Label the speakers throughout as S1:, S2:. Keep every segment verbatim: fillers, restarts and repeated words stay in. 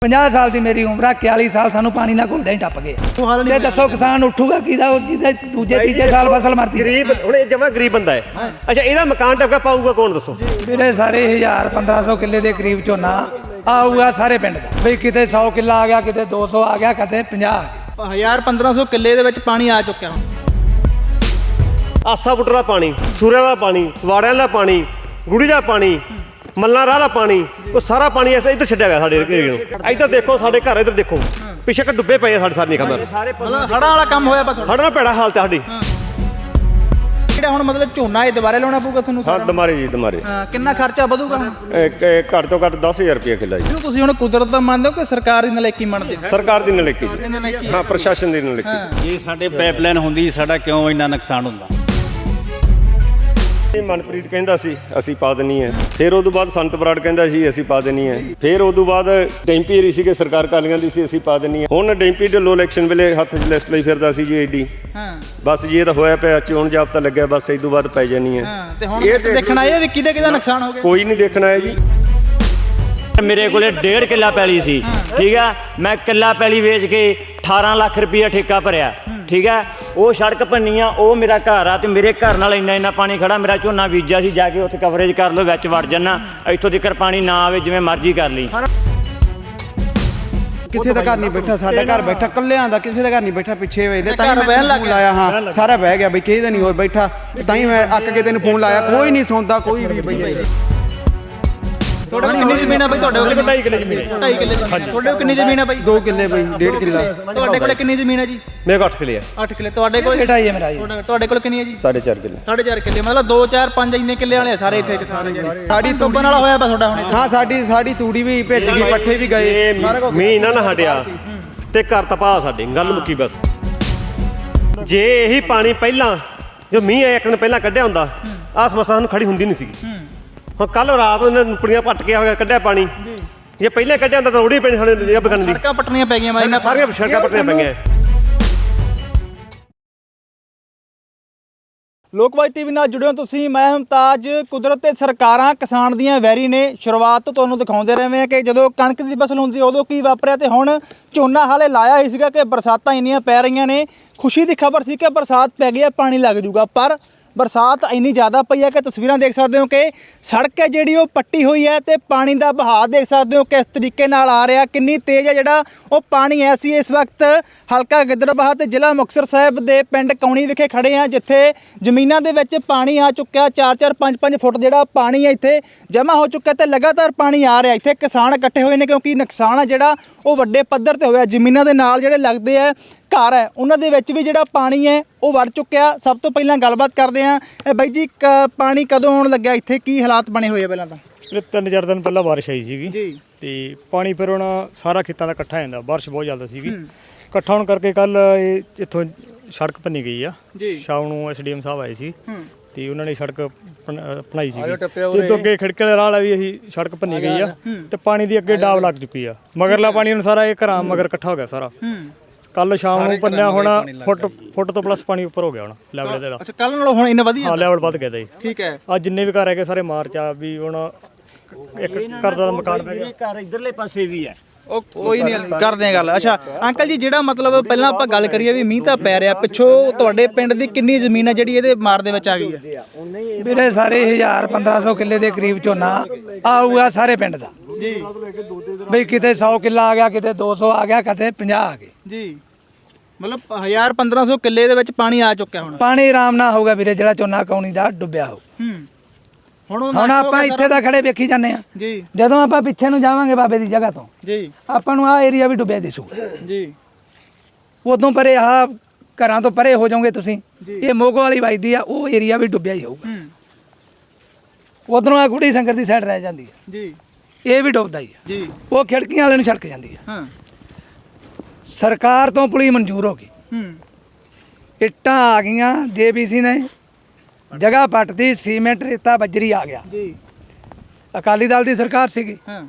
S1: ਪੰਜਾਹ ਸਾਲ ਦੀ ਮੇਰੀ ਉਮਰ ਆ, ਇਕਤਾਲੀ ਸਾਲ ਸਾਨੂੰ ਪਾਣੀ ਨਾਲ ਘੁਲਦੇ ਹੀ ਟੱਪ ਗਏ। ਤੇ ਦੱਸੋ ਕਿਸਾਨ ਉੱਠੂਗਾ ਕਿਹਦਾ, ਜਿਹਦੇ ਦੂਜੇ ਤੀਜੇ ਸਾਲ ਫਸਲ ਮਰਦੀ।
S2: ਗਰੀਬ ਹੁਣ ਇਹ ਜਮਾ ਗਰੀਬ ਬੰਦਾ ਹੈ। ਅੱਛਾ, ਇਹਦਾ ਮਕਾਨ ਟੱਪਾ ਪਾਊਗਾ ਕੌਣ ਦੱਸੋ?
S1: ਮੇਰੇ ਸਾਰੇ ਹਜ਼ਾਰ ਪੰਦਰਾਂ ਸੌ ਕਿੱਲੇ ਦੇ ਕਰੀਬ ਝੋਨਾ ਆਊਗਾ ਸਾਰੇ ਪਿੰਡ ਦਾ। ਬਈ ਕਿਤੇ ਸੌ ਕਿੱਲਾ ਆ ਗਿਆ, ਕਿਤੇ ਦੋ ਸੌ ਆ ਗਿਆ, ਕਿਤੇ ਪੰਜਾਹ ਆ ਗਿਆ।
S3: ਹਜ਼ਾਰ ਪੰਦਰਾਂ ਸੌ ਕਿੱਲੇ ਦੇ ਵਿੱਚ ਪਾਣੀ ਆ ਚੁੱਕਿਆ ਹੁਣ।
S2: ਆਸਾ ਬੁੱਟਰ ਦਾ ਪਾਣੀ, ਸੂਰਿਆਂ ਦਾ ਪਾਣੀ, ਵਾੜਿਆਂ ਦਾ ਪਾਣੀ, ਗੁੜੀ ਦਾ ਪਾਣੀ, ਮੱਲਾਂ ਰਾਹ ਦਾ ਪਾਣੀ, ਉਹ ਸਾਰਾ ਪਾਣੀ ਇੱਧਰ ਛੱਡਿਆ ਗਿਆ ਸਾਡੇ ਏਰੀਏ ਨੂੰ। ਇੱਧਰ ਦੇਖੋ ਸਾਡੇ ਘਰ, ਇੱਧਰ ਦੇਖੋ ਪਿੱਛੇ ਕਿ ਡੁੱਬੇ ਪਏ ਆ ਸਾਡੇ ਸਾਰੀਆਂ ਕਮਰ।
S3: ਮਤਲਬ ਹੜ੍ਹਾਂ ਵਾਲਾ ਕੰਮ ਹੋਇਆ ਪਾ ਤੁਹਾਡਾ?
S2: ਹੜ੍ਹਾਂ ਨਾਲ ਭੈੜਾ ਹਾਲਤ ਹੈ ਸਾਡੀ।
S3: ਜਿਹੜਾ ਹੁਣ ਮਤਲਬ ਝੋਨਾ ਇਹ ਦੁਬਾਰੇ ਲਾਉਣਾ ਪਊਗਾ ਤੁਹਾਨੂੰ?
S4: ਹਾਂ ਦਮਾਰੇ ਜੀ ਦਮਾਰੇ।
S3: ਕਿੰਨਾ ਖਰਚਾ ਵਧੂਗਾ ਹੁਣ?
S4: ਇੱਕ ਘੱਟ ਤੋਂ ਘੱਟ ਦਸ ਹਜ਼ਾਰ ਰੁਪਏ ਕਿੱਲਾ ਜੀ।
S3: ਇਹਨੂੰ ਤੁਸੀਂ ਹੁਣ ਕੁਦਰਤ ਦਾ ਮੰਨਦੇ ਹੋ ਕਿ ਸਰਕਾਰ ਦੀ ਨਲਾਇਕੀ ਮੰਨਦੇ ਹੋ?
S4: ਸਰਕਾਰ ਦੀ ਨਲਾਇਕੀ ਜੀ। ਹਾਂ, ਪ੍ਰਸ਼ਾਸਨ ਦੀ ਨਲਾਇਕੀ।
S5: ਜੇ ਸਾਡੇ ਪਾਈਪਲਾਈਨ ਹੁੰਦੀ ਸਾਡਾ ਕਿਉਂ ਇੰਨਾ ਨੁਕਸਾਨ ਹੁੰਦਾ?
S4: ਇਹ ਮਨਪ੍ਰੀਤ ਕਹਿੰਦਾ ਸੀ ਅਸੀਂ ਪਾ ਦੇਣੀ ਹੈ, ਫਿਰ ਉਦੋਂ ਬਾਅਦ ਸੰਤ ਬਰਾੜ ਕਹਿੰਦਾ ਸੀ ਅਸੀਂ ਪਾ ਦੇਣੀ ਹੈ, ਫਿਰ ਉਦੋਂ ਬਾਅਦ ਡੈਂਪੀ ਏਰੀ ਸੀਗੇ ਸਰਕਾਰ ਕਾਲੀਆਂ ਦੀ ਸੀ ਅਸੀਂ ਪਾ ਦੇਣੀ ਹੈ। ਹੁਣ ਡੈਂਪੀ ਢਿੱਲੋਂ ਇਲੈਕਸ਼ਨ ਵੇਲੇ ਹੱਥ 'ਚ ਲਿਸਟ ਲਈ ਫਿਰਦਾ ਸੀ ਜੀ ਏਡੀ।
S3: ਹਾਂ
S4: ਬਸ ਜੀ ਇਹ ਤਾਂ ਹੋਇਆ ਪਿਆ, ਚੋਣ ਜਾਬਤਾ ਲੱਗਿਆ, ਬਸ ਇਸ ਤੋਂ ਬਾਅਦ ਪੈ ਜਾਣੀ ਹੈ।
S3: ਹਾਂ ਤੇ ਹੁਣ ਦੇਖਣਾ ਇਹ ਵੀ ਕਿਹਦੇ ਕਿਹਦਾ ਨੁਕਸਾਨ ਹੋ ਗਿਆ?
S4: ਕੋਈ ਨਹੀਂ ਦੇਖਣਾ ਹੈ ਜੀ।
S6: ਮੇਰੇ ਕੋਲੇ ਡੇਢ ਕਿੱਲਾ ਪੈਲੀ ਸੀ, ਠੀਕ ਹੈ। ਮੈਂ ਕਿੱਲਾ ਪੈਲੀ ਵੇਚ ਕੇ ਅਠਾਰਾਂ ਲੱਖ ਰੁਪਈਆ ਠੇਕਾ ਭਰਿਆ, ਠੀਕ ਹੈ। ਉਹ ਸੜਕ ਭੰਨੀ ਆ, ਉਹ ਮੇਰਾ ਘਰ ਆ, ਤੇ ਮੇਰੇ ਘਰ ਨਾਲ ਇੰਨਾ ਇੰਨਾ ਪਾਣੀ ਖੜਾ। ਮੇਰਾ ਝੋਨਾ ਬੀਜਿਆ ਸੀ, ਜਾ ਕੇ ਉੱਥੇ ਕਵਰੇਜ ਕਰ ਲਓ, ਵਿੱਚ ਵੜ ਜਾਣਾ। ਇੱਥੋਂ ਤੱਕ ਪਾਣੀ ਨਾ ਆਵੇ, ਜਿਵੇਂ ਮਰਜ਼ੀ ਕਰ ਲਈ।
S7: ਕਿਸੇ ਦਾ ਘਰ ਨਹੀਂ ਬੈਠਾ, ਸਾਡਾ ਘਰ ਬੈਠਾ ਕੱਲਿਆਂ ਦਾ, ਕਿਸੇ ਦਾ ਘਰ ਨਹੀਂ ਬੈਠਾ। ਪਿੱਛੇ ਵੇਚਦੇ ਤਾਂ ਹੀ
S3: ਘਰ ਬਹਿਣ
S7: ਮੈਂ
S3: ਲੱਗ
S7: ਫੋਨ ਲਾਇਆ। ਹਾਂ ਸਾਰਾ ਬਹਿ ਗਿਆ ਬਈ, ਕਿਸੇ ਦਾ ਨਹੀਂ ਹੋਰ ਬੈਠਾ, ਤਾਂ ਹੀ ਮੈਂ ਅੱਕ ਕੇ ਤੈਨੂੰ ਫੋਨ ਲਾਇਆ। ਕੋਈ ਨਹੀਂ ਸੌਂਦਾ ਕੋਈ ਵੀ ਬਈ।
S3: ਤੁਹਾਡੇ ਕੋਲ ਕਿੰਨੀ ਜ਼ਮੀਨ ਆ ਬਈ? ਤੁਹਾਡੇ ਕੋਲ ਢਾਈ ਕਿੱਲੇ ਜ਼ਮੀਨ ਹੈ। ਢਾਈ ਕਿੱਲੇ ਜ਼ਮੀਨ। ਤੁਹਾਡੇ ਕੋਲ ਕਿੰਨੀ ਜ਼ਮੀਨ ਆ ਬਈ?
S7: ਦੋ ਕਿੱਲੇ ਬਈ, ਡੇਢ ਕਿੱਲਾ।
S3: ਤੁਹਾਡੇ ਕੋਲ ਕਿੰਨੀ ਜ਼ਮੀਨ ਹੈ ਜੀ?
S2: ਮੇਰੇ ਕੋਲ ਅੱਠ ਕਿੱਲੇ ਆ।
S3: ਅੱਠ ਕਿੱਲੇ। ਤੁਹਾਡੇ ਕੋਲ
S1: ਬੇਟਾ ਹੀ ਹੈ ਮੇਰਾ ਜੀ।
S3: ਤੁਹਾਡੇ- ਤੁਹਾਡੇ ਕੋਲ ਕਿੰਨੀ ਹੈ ਜੀ?
S4: ਸਾਢੇ ਚਾਰ ਕਿੱਲੇ।
S3: ਸਾਢੇ ਚਾਰ ਕਿੱਲੇ। ਮਤਲਬ ਦੋ ਚਾਰ ਪੰਜ ਇੰਨੇ ਕਿੱਲੇ ਵਾਲੇ ਆ ਸਾਰੇ ਇੱਥੇ ਕਿਸਾਨ ਜਿਹੜੇ। ਸਾਡੀ ਡੁੱਬਣ ਵਾਲਾ ਹੋਇਆ ਪਾ ਤੁਹਾਡਾ ਹੁਣ ਇੱਥੇ?
S7: ਹਾਂ ਸਾਡੀ ਸਾਡੀ ਤੂੜੀ ਵੀ ਭਿੱਜ ਗਈ, ਪੱਠੇ ਵੀ ਗਏ, ਸਾਰਾ ਕੁਝ।
S2: ਮੀਂਹ ਨਾ ਨਾ ਹਟਿਆ ਤੇ ਘਰ ਤਪਾ ਸਾਡੇ, ਗੱਲ ਮੁੱਕੀ ਬਸ। ਜੇ ਇਹੀ ਪਾਣੀ ਪਹਿਲਾਂ ਜੋ ਮੀਂਹ ਆਇਆ ਇੱਕ ਦਿਨ ਪਹਿਲਾਂ ਕੱਢਿਆ ਹੁੰਦਾ, ਆਹ ਸਮੱਸਿਆ ਸਾਨੂੰ ਖੜੀ ਹੁੰਦੀ ਨਹੀਂ ਸੀਗੀ। ਹੁਣ ਕੱਲ ਰਾਤ ਇਹਨਾਂ ਨੁਪੜੀਆਂ ਪੱਟ ਕੇ ਹੋਇਆ ਕੱਢਿਆ ਪਾਣੀ। ਜੇ ਪਹਿਲਾਂ ਕੱਢਿਆ ਹੁੰਦਾ ਤਾਂ ਰੋੜੀ ਪੈਣੀ ਸਾਡੇ ਜਗ੍ਹਾ ਬਗਣ ਦੀ।
S3: ਸੜਕਾਂ ਪੱਟਣੀਆਂ ਪੈ ਗਈਆਂ ਮਾਰੀ।
S2: ਸਾਰੀਆਂ ਸੜਕਾਂ ਪੱਟਣੀਆਂ ਪਈਆਂ।
S3: ਲੋਕਵਾਈ ਟੀਵੀ ਨਾਲ ਜੁੜਿਓ ਤੁਸੀਂ। ਮੈਂ ਮੁਮਤਾਜ। ਕੁਦਰਤ ਤੇ ਸਰਕਾਰਾਂ ਕਿਸਾਨ ਦੀਆਂ ਵੈਰੀ ਨੇ। ਸ਼ੁਰੂਆਤ ਤੋਂ ਤੁਹਾਨੂੰ ਦਿਖਾਉਂਦੇ ਰਹੇ ਹਾਂ ਕਿ ਜਦੋਂ ਕਣਕ ਦੀ ਫਸਲ ਹੁੰਦੀ ਉਦੋਂ ਕੀ ਵਾਪਰਿਆ, ਤੇ ਹੁਣ ਝੋਨਾ ਹਾਲੇ ਲਾਇਆ ਹੀ ਸੀਗਾ ਕਿ ਬਰਸਾਤਾਂ ਇੰਨੀਆਂ ਪੈ ਰਹੀਆਂ ਨੇ। ਖੁਸ਼ੀ ਦੀ ਖਬਰ ਸੀ ਕਿ ਬਰਸਾਤ ਪੈ ਗਈ ਹੈ, ਪਾਣੀ ਲੱਗ ਜੂਗਾ, ਪਰ ਬਰਸਾਤ ਇੰਨੀ ਜ਼ਿਆਦਾ ਪਈ ਹੈ ਕਿ ਤਸਵੀਰਾਂ ਦੇਖ ਸਕਦੇ ਹੋ ਕਿ ਸੜਕ ਹੈ ਜਿਹੜੀ ਉਹ ਪੱਟੀ ਹੋਈ ਹੈ, ਤੇ ਪਾਣੀ ਦਾ ਵਹਾਅ ਦੇਖ ਸਕਦੇ ਹੋ ਕਿਸ ਤਰੀਕੇ ਨਾਲ ਆ ਰਿਹਾ, ਕਿੰਨੀ ਤੇਜ਼ ਹੈ ਜਿਹੜਾ ਉਹ ਪਾਣੀ ਹੈ। ਅਸੀਂ ਇਸ ਵਕਤ ਹਲਕਾ ਗਿੱਦੜਬਾਹਾ ਤੇ ਜ਼ਿਲ੍ਹਾ ਮੁਕਤਸਰ ਸਾਹਿਬ ਦੇ ਪਿੰਡ ਕੌਣੀ ਵਿਖੇ ਖੜੇ ਹਾਂ, ਜਿੱਥੇ ਜ਼ਮੀਨਾਂ ਦੇ ਵਿੱਚ ਪਾਣੀ ਆ ਚੁੱਕਿਆ। ਚਾਰ ਚਾਰ ਪੰਜ ਪੰਜ ਫੁੱਟ ਜਿਹੜਾ ਪਾਣੀ ਹੈ ਇੱਥੇ ਜਮ੍ਹਾਂ ਹੋ ਚੁੱਕਾ, ਤੇ ਲਗਾਤਾਰ ਪਾਣੀ ਆ ਰਿਹਾ। ਇੱਥੇ ਕਿਸਾਨ ਇਕੱਠੇ ਹੋਏ ਨੇ ਕਿਉਂਕਿ ਨੁਕਸਾਨ ਆ ਜਿਹੜਾ ਉਹ ਵੱਡੇ ਪੱਧਰ ਤੇ ਹੋਇਆ। ਜ਼ਮੀਨਾਂ ਦੇ ਨਾਲ ਜਿਹੜੇ ਲੱਗਦੇ ਆ ਘਰ ਹੈ, ਉਹਨਾਂ ਦੇ ਵਿੱਚ ਵੀ ਜਿਹੜਾ ਪਾਣੀ ਹੈ ਉਹ ਵੜ ਚੁੱਕਿਆ। ਸਭ ਤੋਂ ਪਹਿਲਾਂ ਗੱਲਬਾਤ ਕਰਦੇ ਹਾਂ। ਇਹ ਬਾਈ ਜੀ, ਕ ਪਾਣੀ ਕਦੋਂ ਆਉਣ ਲੱਗਿਆ ਇੱਥੇ, ਕੀ ਹਾਲਾਤ ਬਣੇ ਹੋਏ ਆ? ਪਹਿਲਾਂ ਤਾਂ
S8: ਇਹ ਤਿੰਨ ਚਾਰ ਦਿਨ ਪਹਿਲਾਂ ਬਾਰਿਸ਼ ਆਈ ਸੀਗੀ ਜੀ, ਤੇ ਪਾਣੀ ਫਿਰ ਹੁਣ ਸਾਰਾ ਖੇਤਾਂ ਦਾ ਇਕੱਠਾ ਹੋ ਜਾਂਦਾ। ਬਾਰਿਸ਼ ਬਹੁਤ ਜ਼ਿਆਦਾ ਸੀਗੀ, ਇਕੱਠਾ ਹੋਣ ਕਰਕੇ ਕੱਲ ਇਹ ਇੱਥੋਂ ਸੜਕ ਭੰਨੀ ਗਈ ਆ। ਸ਼ਾਮ ਨੂੰ ਐਸਡੀਐਮ ਸਾਹਿਬ ਆਏ ਸੀ, ਤੇ ਉਹਨਾਂ ਨੇ ਸੜਕ ਬਣਾਈ ਸੀ, ਤੇ ਉਦੋਂ ਅੱਗੇ ਖਿੜਕੇ ਵਾਲੇ ਰਾਹ ਵੀ ਅਸੀਂ ਸੜਕ ਭੰਨੀ ਗਈ ਆ, ਤੇ ਪਾਣੀ ਦੀ ਅੱਗੇ ਡਾਬ ਲੱਗ ਚੁੱਕੀ ਆ। ਮਗਰਲਾ ਪਾਣੀ ਹੁਣ ਸਾਰਾ ਇਹ ਘਰਾਂ ਮਗਰ ਇਕੱਠਾ ਹੋ ਗਿਆ ਸਾਰਾ। ਕੱਲ ਸ਼ਾਮ ਨੂੰ ਪੰਨਿਆ ਹੁਣ ਫੁੱਟ ਫੁੱਟ ਤੋਂ ਪਲੱਸ ਪਾਣੀ ਉੱਪਰ ਹੋ ਗਿਆ ਹੁਣ ਲੈਵਲ ਇਹਦਾ।
S3: ਅੱਛਾ, ਕੱਲ ਨਾਲੋਂ ਹੁਣ ਇੰਨਾ ਵਧੀਆ?
S8: ਹਾਂ, ਲੈਵਲ ਵੱਧ ਗਿਆ ਜੀ।
S3: ਠੀਕ ਹੈ।
S8: ਅੱਜ ਜਿੰਨੇ ਵੀ ਘਰ ਹੈਗੇ ਸਾਰੇ ਮਾਰਚ ਆ ਵੀ ਹੁਣ ਇੱਕ ਘਰ ਦਾ ਮਕਾਨ ਪੈ ਗਿਆ।
S6: ਘਰ ਇਧਰਲੇ ਪਾਸੇ ਵੀ ਹੈ।
S3: ਉਹ ਕੋਈ ਨਹੀਂ, ਕਰਦੇ ਆ ਗੱਲ। ਅੱਛਾ ਅੰਕਲ ਜੀ, ਜਿਹੜਾ ਮਤਲਬ ਪਹਿਲਾਂ ਆਪਾਂ ਗੱਲ ਕਰੀਏ ਵੀ ਮੀਂਹ ਤਾਂ ਪੈ ਰਿਹਾ, ਪਿੱਛੋਂ ਤੁਹਾਡੇ ਪਿੰਡ ਦੀ ਕਿੰਨੀ ਜ਼ਮੀਨ ਹੈ ਜਿਹੜੀ ਇਹਦੇ ਮਾਰ ਦੇ ਵਿੱਚ ਆ ਗਈ ਹੈ?
S1: ਮੇਰੇ ਸਾਰੇ ਹਜ਼ਾਰ ਪੰਦਰਾਂ ਸੌ ਕਿੱਲੇ ਦੇ ਕਰੀਬ ਝੋਨਾ ਆਊਗਾ ਸਾਰੇ ਪਿੰਡ ਦਾ ਜੀ। ਬਈ ਕਿਤੇ ਸੌ ਕਿੱਲਾ ਆ ਗਿਆ, ਕਿਤੇ ਦੋ ਸੌ ਆ ਗਿਆ, ਕਿਤੇ ਪੰਜਾਹ ਆ ਗਏ
S3: ਜੀ। ਮਤਲਬ ਹਜ਼ਾਰ ਪੰਦਰਾਂ ਸੌ ਕਿੱਲੇ ਦੇ ਵਿੱਚ ਪਾਣੀ ਆ ਚੁੱਕਿਆ ਹੁਣ।
S1: ਪਾਣੀ ਆਰਾਮ ਨਾਲ ਹੋਊਗਾ ਵੀਰੇ, ਜਿਹੜਾ ਝੋਨਾ ਕੌਣੀ ਦਾ ਡੁੱਬਿਆ ਹੋ।
S3: ਹੁਣ
S1: ਹੁਣ ਆਪਾਂ ਇੱਥੇ ਤਾਂ ਖੜੇ ਵੇਖੀ ਜਾਂਦੇ ਆ
S3: ਜੀ।
S1: ਜਦੋਂ ਆਪਾਂ ਪਿੱਛੇ ਨੂੰ ਜਾਵਾਂਗੇ ਬਾਬੇ ਦੀ ਜਗ੍ਹਾ ਤੋਂ
S3: ਜੀ,
S1: ਆਪਾਂ ਨੂੰ ਆਹ ਏਰੀਆ ਵੀ ਡੁੱਬਿਆ ਦਿਸੂਗਾ
S3: ਜੀ।
S1: ਉਦੋਂ ਪਰੇ ਆਹ ਘਰਾਂ ਤੋਂ ਪਰੇ ਹੋ ਜਾਓਗੇ ਤੁਸੀਂ, ਇਹ ਮੋਗੋ ਵਾਲੀ ਵੱਜਦੀ ਆ, ਉਹ ਏਰੀਆ ਵੀ ਡੁੱਬਿਆ ਹੀ ਹੋਊਗਾ। ਉਧਰੋਂ ਆ ਗੁੜੀ ਸੰਗਰ ਦੀ ਸਾਈਡ ਰਹਿ ਜਾਂਦੀ ਹੈ
S3: ਜੀ,
S1: ਇਹ ਵੀ ਡੁੱਬਦਾ ਹੀ ਆ
S3: ਜੀ।
S1: ਉਹ ਖਿੜਕੀਆਂ ਵਾਲੇ ਨੂੰ ਛੜਕ ਜਾਂਦੀ ਆ।
S3: ਹਾਂ,
S1: ਸਰਕਾਰ ਤੋਂ ਪੁਲੀ ਮਨਜ਼ੂਰ ਹੋ ਗਈ,
S3: ਹੂੰ,
S1: ਇੱਟਾਂ ਆ ਗਈਆਂ, ਜੇਬੀਸੀ ਨੇ ਜਗ੍ਹਾ ਪੱਟਦੀ, ਸੀਮੈਂਟ ਰੇਤਾ ਬਜਰੀ ਆ ਗਿਆ।
S3: ਜੀ।
S1: ਅਕਾਲੀ ਦਲ ਦੀ ਸਰਕਾਰ ਸੀਗੀ,
S3: ਹਾਂ,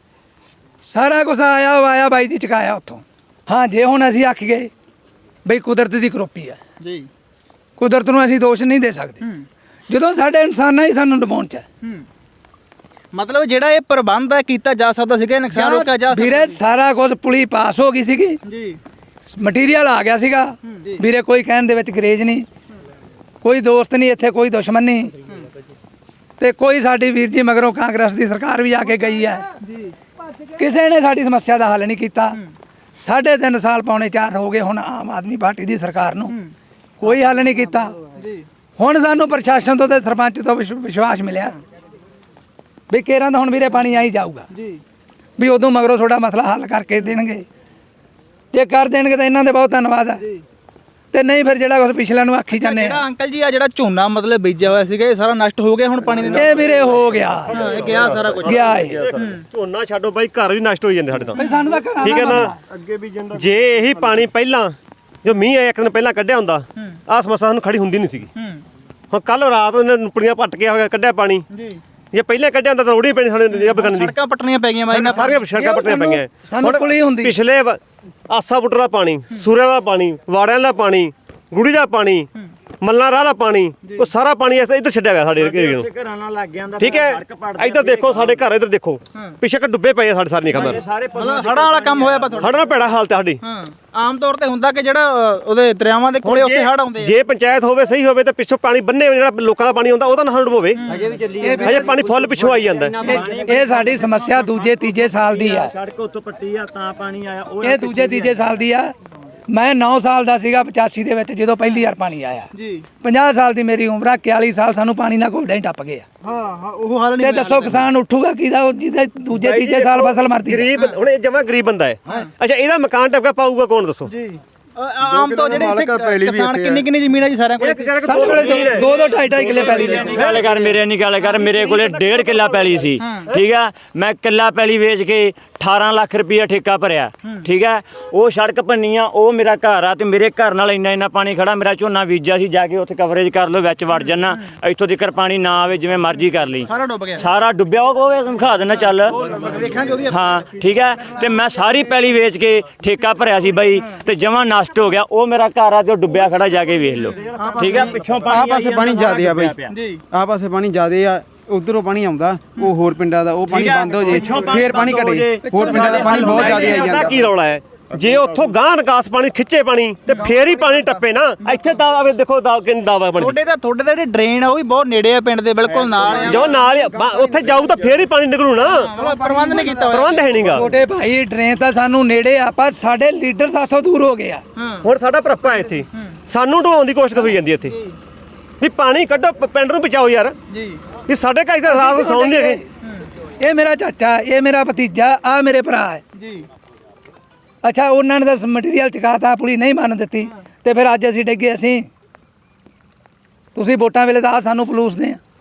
S1: ਸਾਰਾ ਕੁਝ ਆਇਆ ਆਇਆ ਬਾਈ ਜੀ ਚੁਕਾਇਆ ਉੱਥੋਂ। ਹਾਂ, ਜੇ ਹੁਣ ਅਸੀਂ ਆਖ ਗਏ ਬਈ ਕੁਦਰਤ ਦੀ ਕਰੋਪੀ ਹੈ
S3: ਜੀ,
S1: ਕੁਦਰਤ ਨੂੰ ਅਸੀਂ ਦੋਸ਼ ਨਹੀਂ ਦੇ ਸਕਦੇ, ਜਦੋਂ ਸਾਡੇ ਇਨਸਾਨਾਂ ਹੀ ਸਾਨੂੰ ਡਬਾਉਣ ਚ ਹੈ।
S3: ਮਤਲਬ ਜਿਹੜਾ ਇਹ ਪ੍ਰਬੰਧ ਹੈ ਕੀਤਾ ਜਾ ਸਕਦਾ ਸੀਗਾ, ਨੁਕਸਾਨ ਰੋਕਿਆ ਜਾ ਸਕਦਾ
S1: ਵੀਰੇ ਸਾਰਾ ਕੁਝ ਪੁਲੀ ਪਾਸ ਹੋ ਗਈ ਸੀਗੀ
S3: ਜੀ
S1: ਮਟੀਰੀਅਲ ਆ ਗਿਆ ਸੀਗਾ ਵੀਰੇ, ਕੋਈ ਕਹਿਣ ਦੇ ਵਿੱਚ ਗਰੇਜ ਨਹੀਂ, ਕੋਈ ਦੋਸਤ ਨਹੀਂ ਇੱਥੇ, ਕੋਈ ਦੁਸ਼ਮਣ ਨਹੀਂ, ਤੇ ਕੋਈ ਸਾਡੀ ਵੀਰ ਜੀ ਮਗਰੋਂ ਕਾਂਗਰਸ ਦੀ ਸਰਕਾਰ ਵੀ ਆ ਕੇ ਗਈ ਹੈ, ਕਿਸੇ ਨੇ ਸਾਡੀ ਸਮੱਸਿਆ ਦਾ ਹੱਲ ਨਹੀਂ ਕੀਤਾ। ਸਾਢੇ ਤਿੰਨ ਸਾਲ ਪੌਣੇ ਚਾਰ ਹੋ ਗਏ ਹੁਣ ਆਮ ਆਦਮੀ ਪਾਰਟੀ ਦੀ ਸਰਕਾਰ ਨੂੰ, ਕੋਈ ਹੱਲ ਨਹੀਂ ਕੀਤਾ। ਹੁਣ ਸਾਨੂੰ ਪ੍ਰਸ਼ਾਸਨ ਤੋਂ ਤੇ ਸਰਪੰਚ ਤੋਂ ਵਿਸ਼- ਵਿਸ਼ਵਾਸ ਮਿਲਿਆ ਵੀ ਕੇਰਾਂ ਦਾ ਹੁਣ ਵੀਰੇ ਪਾਣੀ ਆਈ ਜਾਊਗਾ, ਵੀ ਉਦੋਂ ਮਗਰੋਂ ਤੁਹਾਡਾ ਮਸਲਾ ਹੱਲ ਕਰਕੇ ਦੇਣਗੇ, ਜੇ ਕਰ ਦੇਣਗੇ ਤਾਂ ਇਹਨਾਂ ਦੇ ਬਹੁਤ ਧੰਨਵਾਦ ਹੈ, ਤੇ ਨਹੀਂ ਫਿਰ ਜਿਹੜਾ ਕੁਛ ਪਿਛਲੇ ਨੂੰ ਆਖੀ ਜਾਂਦੇ
S3: ਜਿਹੜਾ
S1: ਆ
S3: ਅੰਕਲ ਜੀ ਆ ਜਿਹੜਾ ਝੋਨਾ ਮਤਲਬ ਬੀਜਿਆ ਹੋਇਆ ਸੀਗਾ ਇਹ ਸਾਰਾ ਨਸ਼ਟ ਹੋ ਗਿਆ ਹੁਣ ਪਾਣੀ ਦੇ ਨਾਲ?
S1: ਇਹ ਵੀਰੇ ਹੋ ਗਿਆ
S3: ਹਾਂ, ਇਹ ਗਿਆ ਸਾਰਾ ਕੁਝ
S1: ਗਿਆ ਏ
S2: ਝੋਨਾ ਛੱਡੋ ਬਾਈ, ਘਰ ਵੀ ਨਸ਼ਟ ਹੋਈ ਜਾਂਦੇ ਸਾਡੇ ਤਾਂ।
S1: ਬਈ ਸਾਨੂੰ ਤਾਂ ਘਰਾਂ
S2: ਠੀਕ ਹੈ
S1: ਦਾ
S2: ਨਾ,
S1: ਮਸਲਾ।
S2: ਜੇ ਇਹੀ ਪਾਣੀ ਪਹਿਲਾਂ ਜੋ ਮੀਂਹ ਆਇਆ ਇੱਕ ਦਿਨ ਪਹਿਲਾਂ ਕੱਢਿਆ ਹੁੰਦਾ ਆਹ ਸਮੱਸਿਆ ਸਾਨੂੰ ਖੜੀ ਹੁੰਦੀ ਨਹੀਂ ਸੀਗੀ। ਹੁਣ ਕੱਲ ਰਾਤ ਉਹਨੇ ਨੁਪੜੀਆਂ ਪੱਟ ਕੇ ਹੋਇਆ ਕੱਢਿਆ ਪਾਣੀ,
S3: ਜੀ
S2: ਜੇ ਪਹਿਲਾਂ ਕੱਢਿਆ ਹੁੰਦਾ ਤਾਂ ਰੋੜੀ ਪੈਣੀ ਸਾਡੇ ਜੱਬ ਕਰਨ ਦੀ,
S3: ਸੜਕਾਂ ਪੱਟਣੀਆਂ ਪੈ ਗਈਆਂ ਬਾਈ ਨਾਲ
S2: ਸਾਰੀਆਂ ਸੜਕਾਂ ਪੱਟੀਆਂ
S1: ਸਾਨੂੰ-
S2: ਪਈਆਂ।
S1: ਸਾਨੂੰ
S2: ਹੁਣ
S1: ਪੁਲੀ ਹੁੰਦੀ।
S2: ਪਿਛਲੇ ਵ- ਆਸਾ ਬੁੱਟਰ ਦਾ ਪਾਣੀ, ਸੂਰਿਆਂ ਦਾ ਪਾਣੀ, ਵਾੜਿਆਂ ਦਾ ਪਾਣੀ, ਗੁੜੀ ਦਾ ਪਾਣੀ, ਮੱਲਾਂ ਰਾਹ ਦਾ ਪਾਣੀ, ਉਹ ਸਾਰਾ ਪਾਣੀ ਇੱਥੇ ਇੱਧਰ ਛੱਡਿਆ ਗਿਆ ਸਾਡੇ ਏਰੀਏ ਨੂੰ।
S6: ਘਰਾਂ ਨਾਲ ਲੱਗ ਗਿਆ
S2: ਠੀਕ ਹੈ, ਇੱਧਰ ਦੇਖੋ ਸਾਡੇ ਘਰ, ਇੱਧਰ ਦੇਖੋ ਪਿੱਛੇ ਕਿ ਡੁੱਬੇ ਪਏ ਆ ਸਾਡੇ ਸਾਰੇ ਨਿਕਮਰ।
S6: ਸਾਰੇ
S3: ਮਤਲਬ ਹੜਾਂ ਵਾਲਾ ਕੰਮ ਹੋਇਆ ਪਾ ਤੁਹਾਡਾ?
S2: ਹੜ੍ਹ ਨਾਲ ਭੈੜਾ ਹਾਲਤ ਹੈ ਸਾਡੀ।
S3: ਹਾਂ, ਆਮ ਤੌਰ ਤੇ ਹੁੰਦਾ ਕਿ ਜਿਹੜਾ ਅ, ਉਹਦੇ ਦਰਿਆਵਾਂ ਦੇ ਕੋਲੇ ਉੱਥੇ ਹੜ ਆਉਂਦੇ ਆ।
S2: ਜੇ ਪੰਚਾਇਤ ਹੋਵੇ ਸਹੀ ਹੋਵੇ ਤਾਂ ਪਿੱਛੋਂ ਪਾਣੀ ਬੰਨੇ ਜਿਹੜਾ ਲੋਕਾਂ ਦਾ ਪਾਣੀ ਆਉਂਦਾ ਉਹਦਾ ਨਾ ਡੁਬੋਵੇ।
S6: ਅਜੇ ਵੀ ਚੱਲੀ
S2: ਹਜੇ ਪਾਣੀ ਫੁੱਲ ਪਿੱਛੋਂ ਆਈ ਜਾਂਦਾ।
S1: ਇਹ- ਇਹ ਸਾਡੀ ਸਮੱਸਿਆ ਦੂਜੇ ਤੀਜੇ ਸਾਲ ਦੀ ਆ,
S6: ਸੜਕ ਉੱਤੋਂ ਪੱਟੀ ਆ ਤਾਂ ਪਾਣੀ ਆਇਆ ਉਹ
S1: ਇਹ ਦੂਜੇ ਤੀਜੇ ਸਾਲ ਦੀ ਆ। ਮੈਂ ਨੌ ਸਾਲ ਦਾ ਸੀਗਾ ਪਚਾਸੀ ਦੇ ਵਿੱਚ ਜਦੋਂ ਪਹਿਲੀ ਵਾਰ ਪਾਣੀ ਆਇਆ,
S3: ਜੀ
S1: ਪੰਜਾਹ ਸਾਲ ਦੀ ਮੇਰੀ ਉਮਰ ਆ, ਇਕਤਾਲੀ ਸਾਲ ਸਾਨੂੰ ਪਾਣੀ ਨਾਲ ਘੁਲਦੇ ਹੀ ਟੱਪ ਗਏ ਆ।
S3: ਹਾਂ ਹਾਂ ਉਹ ਹੱਲ
S1: ਤੇ
S3: ਨਹੀਂ
S1: ਦੱਸੋ ਕਿਸਾਨ ਉੱਠੂਗਾ ਕਿਹਦਾ, ਉਹ ਜਿਹਦੇ ਦੂਜੇ ਤੀਜੇ ਸਾਲ ਫਸਲ ਮਰਦੀ ਆ।
S2: ਗਰੀਬ ਹੁਣ ਇਹ ਜਮਾ ਗਰੀਬ ਬੰਦਾ ਹੈ। ਅੱਛਾ ਇਹਦਾ ਮਕਾਨ ਟਪਕਾ ਪਾਊਗਾ ਕੌਣ ਦੱਸੋ?
S3: ਜੀ ਆਮ ਤੋਂ ਜਿਹੜੇ ਇੱਥੇ ਕਿਸਾਨ ਕਿੰਨੀ ਕਿੰਨੀ ਜ਼ਮੀਨ ਹੈ ਜੀ ਸਾਰਿਆਂ ਕੋਲ?
S1: ਸਾਡੇ ਕੋਲੇ ਦੋ- ਦੋ ਦੋ ਢਾਈ ਢਾਈ ਕਿੱਲੇ ਪੈਲੀ ਦੇ
S6: ਗੱਲ ਕਰ ਮੇਰੇ ਨਹੀਂ ਗੱਲ ਕਰ ਮੇਰੇ ਕੋਲੇ ਡੇਢ ਕਿੱਲਾ ਪੈਲੀ ਸੀ। ਠੀਕ ਆ, ਮੈਂ ਕਿੱਲਾ ਪੈਲੀ ਵੇਚ ਕੇ ਅਠਾਰਾਂ ਲੱਖ ਰੁਪਈਆ ਠੇਕਾ ਭਰਿਆ। ਠੀਕ ਆ, ਉਹ ਸੜਕ ਪੰਨੀਆਂ, ਉਹ ਮੇਰਾ ਘਰ ਆ ਤੇ ਮੇਰੇ ਘਰ ਨਾਲ ਇੰਨਾ ਇੰਨਾ ਪਾਣੀ ਖੜਾ। ਮੇਰਾ ਝੋਨਾ ਬੀਜਿਆ ਸੀ, ਜਾ ਕੇ ਉੱਥੇ ਕਵਰੇਜ ਕਰ ਲਓ, ਵਿੱਚ ਵੜ ਜਾਣਾ, ਇੱਥੋਂ ਤੱਕ ਪਾਣੀ ਨਾ ਆਵੇ, ਜਿਵੇਂ ਮਰਜ਼ੀ ਕਰ ਲਈ।
S3: ਸਾਰਾ ਡੁੱਬ ਗਿਆ,
S6: ਸਾਰਾ ਡੁੱਬਿਆ ਉਹ ਉਹ ਦਿਖਾ ਦੇਣਾ ਚੱਲ।
S3: ਵੇਖਾਂ ਜੋ ਵੀ ਆ।
S6: ਹਾਂ ਠੀਕ ਹੈ, ਤੇ ਮੈਂ ਸਾਰੀ ਪੈਲੀ ਵੇਚ ਕੇ ਠੇਕਾ ਭਰਿਆ ਸੀ ਬਾਈ, ਤੇ ਜਮਾਂ ਨਸ਼ਟ ਹੋ ਗਿਆ। ਉਹ ਮੇਰਾ ਘਰ ਆ ਤੇ ਉਹ ਡੁੱਬਿਆ ਖੜਾ, ਜਾ ਕੇ ਵੇਖ ਲਓ। ਠੀਕ ਹੈ, ਪਿੱਛੋਂ
S7: ਆਹ
S6: ਪਾਣੀ
S7: ਪਾਸੇ ਪਾਣੀ ਜ਼ਿਆਦੇ ਆ ਬਈ,
S3: ਜੀ
S7: ਆਹ ਪਾਸੇ ਪਾਣੀ ਜ਼ਿਆਦੇ ਆ, ਉਧਰੋਂ ਪਾਣੀ ਆਉਂਦਾ, ਉਹ ਹੋਰ ਪਿੰਡਾਂ ਦਾ ਉਹ ਪਾਣੀ ਬੰਦ ਹੋ ਜੇ,
S6: ਪਿੱਛੋਂ ਪਾਣੀ
S7: ਫੇਰ ਪਾਣੀ
S6: ਬੰਦ ਹੋ
S7: ਘਟੇ,
S6: ਜੇ।
S7: ਹੋਰ ਪਿੰਡਾਂ ਦਾ ਪਾਣੀ ਬਹੁਤ ਜ਼ਿਆਦੇ ਆਈ
S2: ਪਤਾ
S7: ਜਾਂਦਾ।
S2: ਕੀ ਰੌਲਾ ਹੈ? ਜੇ ਉੱਥੋਂ ਗਾਂ ਨਿਕਾਸ ਪਾਣੀ ਖਿੱਚੇ ਪਾਣੀ ਤੇ ਫੇਰ ਹੀ ਪਾਣੀ ਟੱਪੇ ਨਾ। ਇੱਥੇ ਤਾਂ ਆਵੇ ਦੇਖੋ ਦਾ ਕਿੰਨੀ ਦਾਵਾ ਬਣੀ
S3: ਤੁਹਾਡੇ ਤਾਂ ਤੁਹਾਡੇ ਤਾਂ ਜਿਹੜੇ ਡਰੇਨ ਆ ਉਹ ਵੀ ਬਹੁਤ ਨੇੜੇ ਆ ਪਿੰਡ ਦੇ, ਬਿਲਕੁਲ ਨਾਲ ਆ।
S2: ਜੋ ਨਾਲ ਹੀ ਆ, ਬਾ- ਉੱਥੇ ਜਾਊ ਤਾਂ ਫੇਰ ਹੀ ਪਾਣੀ ਨਿਕਲੂ ਨਾ।
S3: ਮਤਲਬ ਪ੍ਰਬੰਧ ਨਹੀਂ ਕੀਤਾ ਹੋਇਆ।
S2: ਪ੍ਰਬੰਧ ਹੈ ਨਹੀਂਗਾ।
S1: ਛੋਟੇ ਭਾਈ ਡਰੇਨ ਤਾਂ ਸਾਨੂੰ ਨੇੜੇ ਆ, ਪਰ ਸਾਡੇ ਲੀਡਰ ਸਾਥੋਂ ਦੂਰ ਹੋ ਗਏ ਆ।
S2: ਹੁਣ ਸਾਡਾ ਭਰਪਾ ਹੈ ਇੱਥੇ, ਸਾਨੂੰ ਢਵਾਉਣ ਦੀ ਕੋਸ਼ਿਸ਼ ਹੋਈ ਜਾਂਦੀ ਇੱਥੇ ਵੀ ਪਾਣੀ ਕੱਢੋ, ਪ- ਪਿੰਡ ਨੂੰ ਬਚਾਓ ਯਾਰ।
S3: ਜੀ
S2: ਵੀ ਸਾਡੇ ਘਰ ਤਾਂ ਰਾਤ ਨੂੰ ਸੌਣ ਨਹੀਂ ਹੈਗੇ।
S1: ਇਹ ਮੇਰਾ ਚਾਚਾ, ਇਹ ਮੇਰਾ ਭਤੀਜਾ, ਆ ਮੇਰੇ ਭਰਾ ਹੈ।
S3: ਜੀ
S1: ਅੱਛਾ ਉਹਨਾਂ ਨੇ ਤਾਂ ਮਟੀਰੀਅਲ ਚਕਾਤਾ, ਪੁਲੀ ਨਹੀਂ ਮੰਨ ਦਿੱਤੀ, ਤੇ ਫਿਰ ਅੱਜ ਅਸੀਂ ਡਿੱਗੇ। ਅਸੀਂ ਤੁਸੀਂ ਵੋਟਾਂ ਵੇਲੇ ਤਾਂ ਆਹ ਸਾਨੂੰ ਪਲੂਸਦੇ ਆ,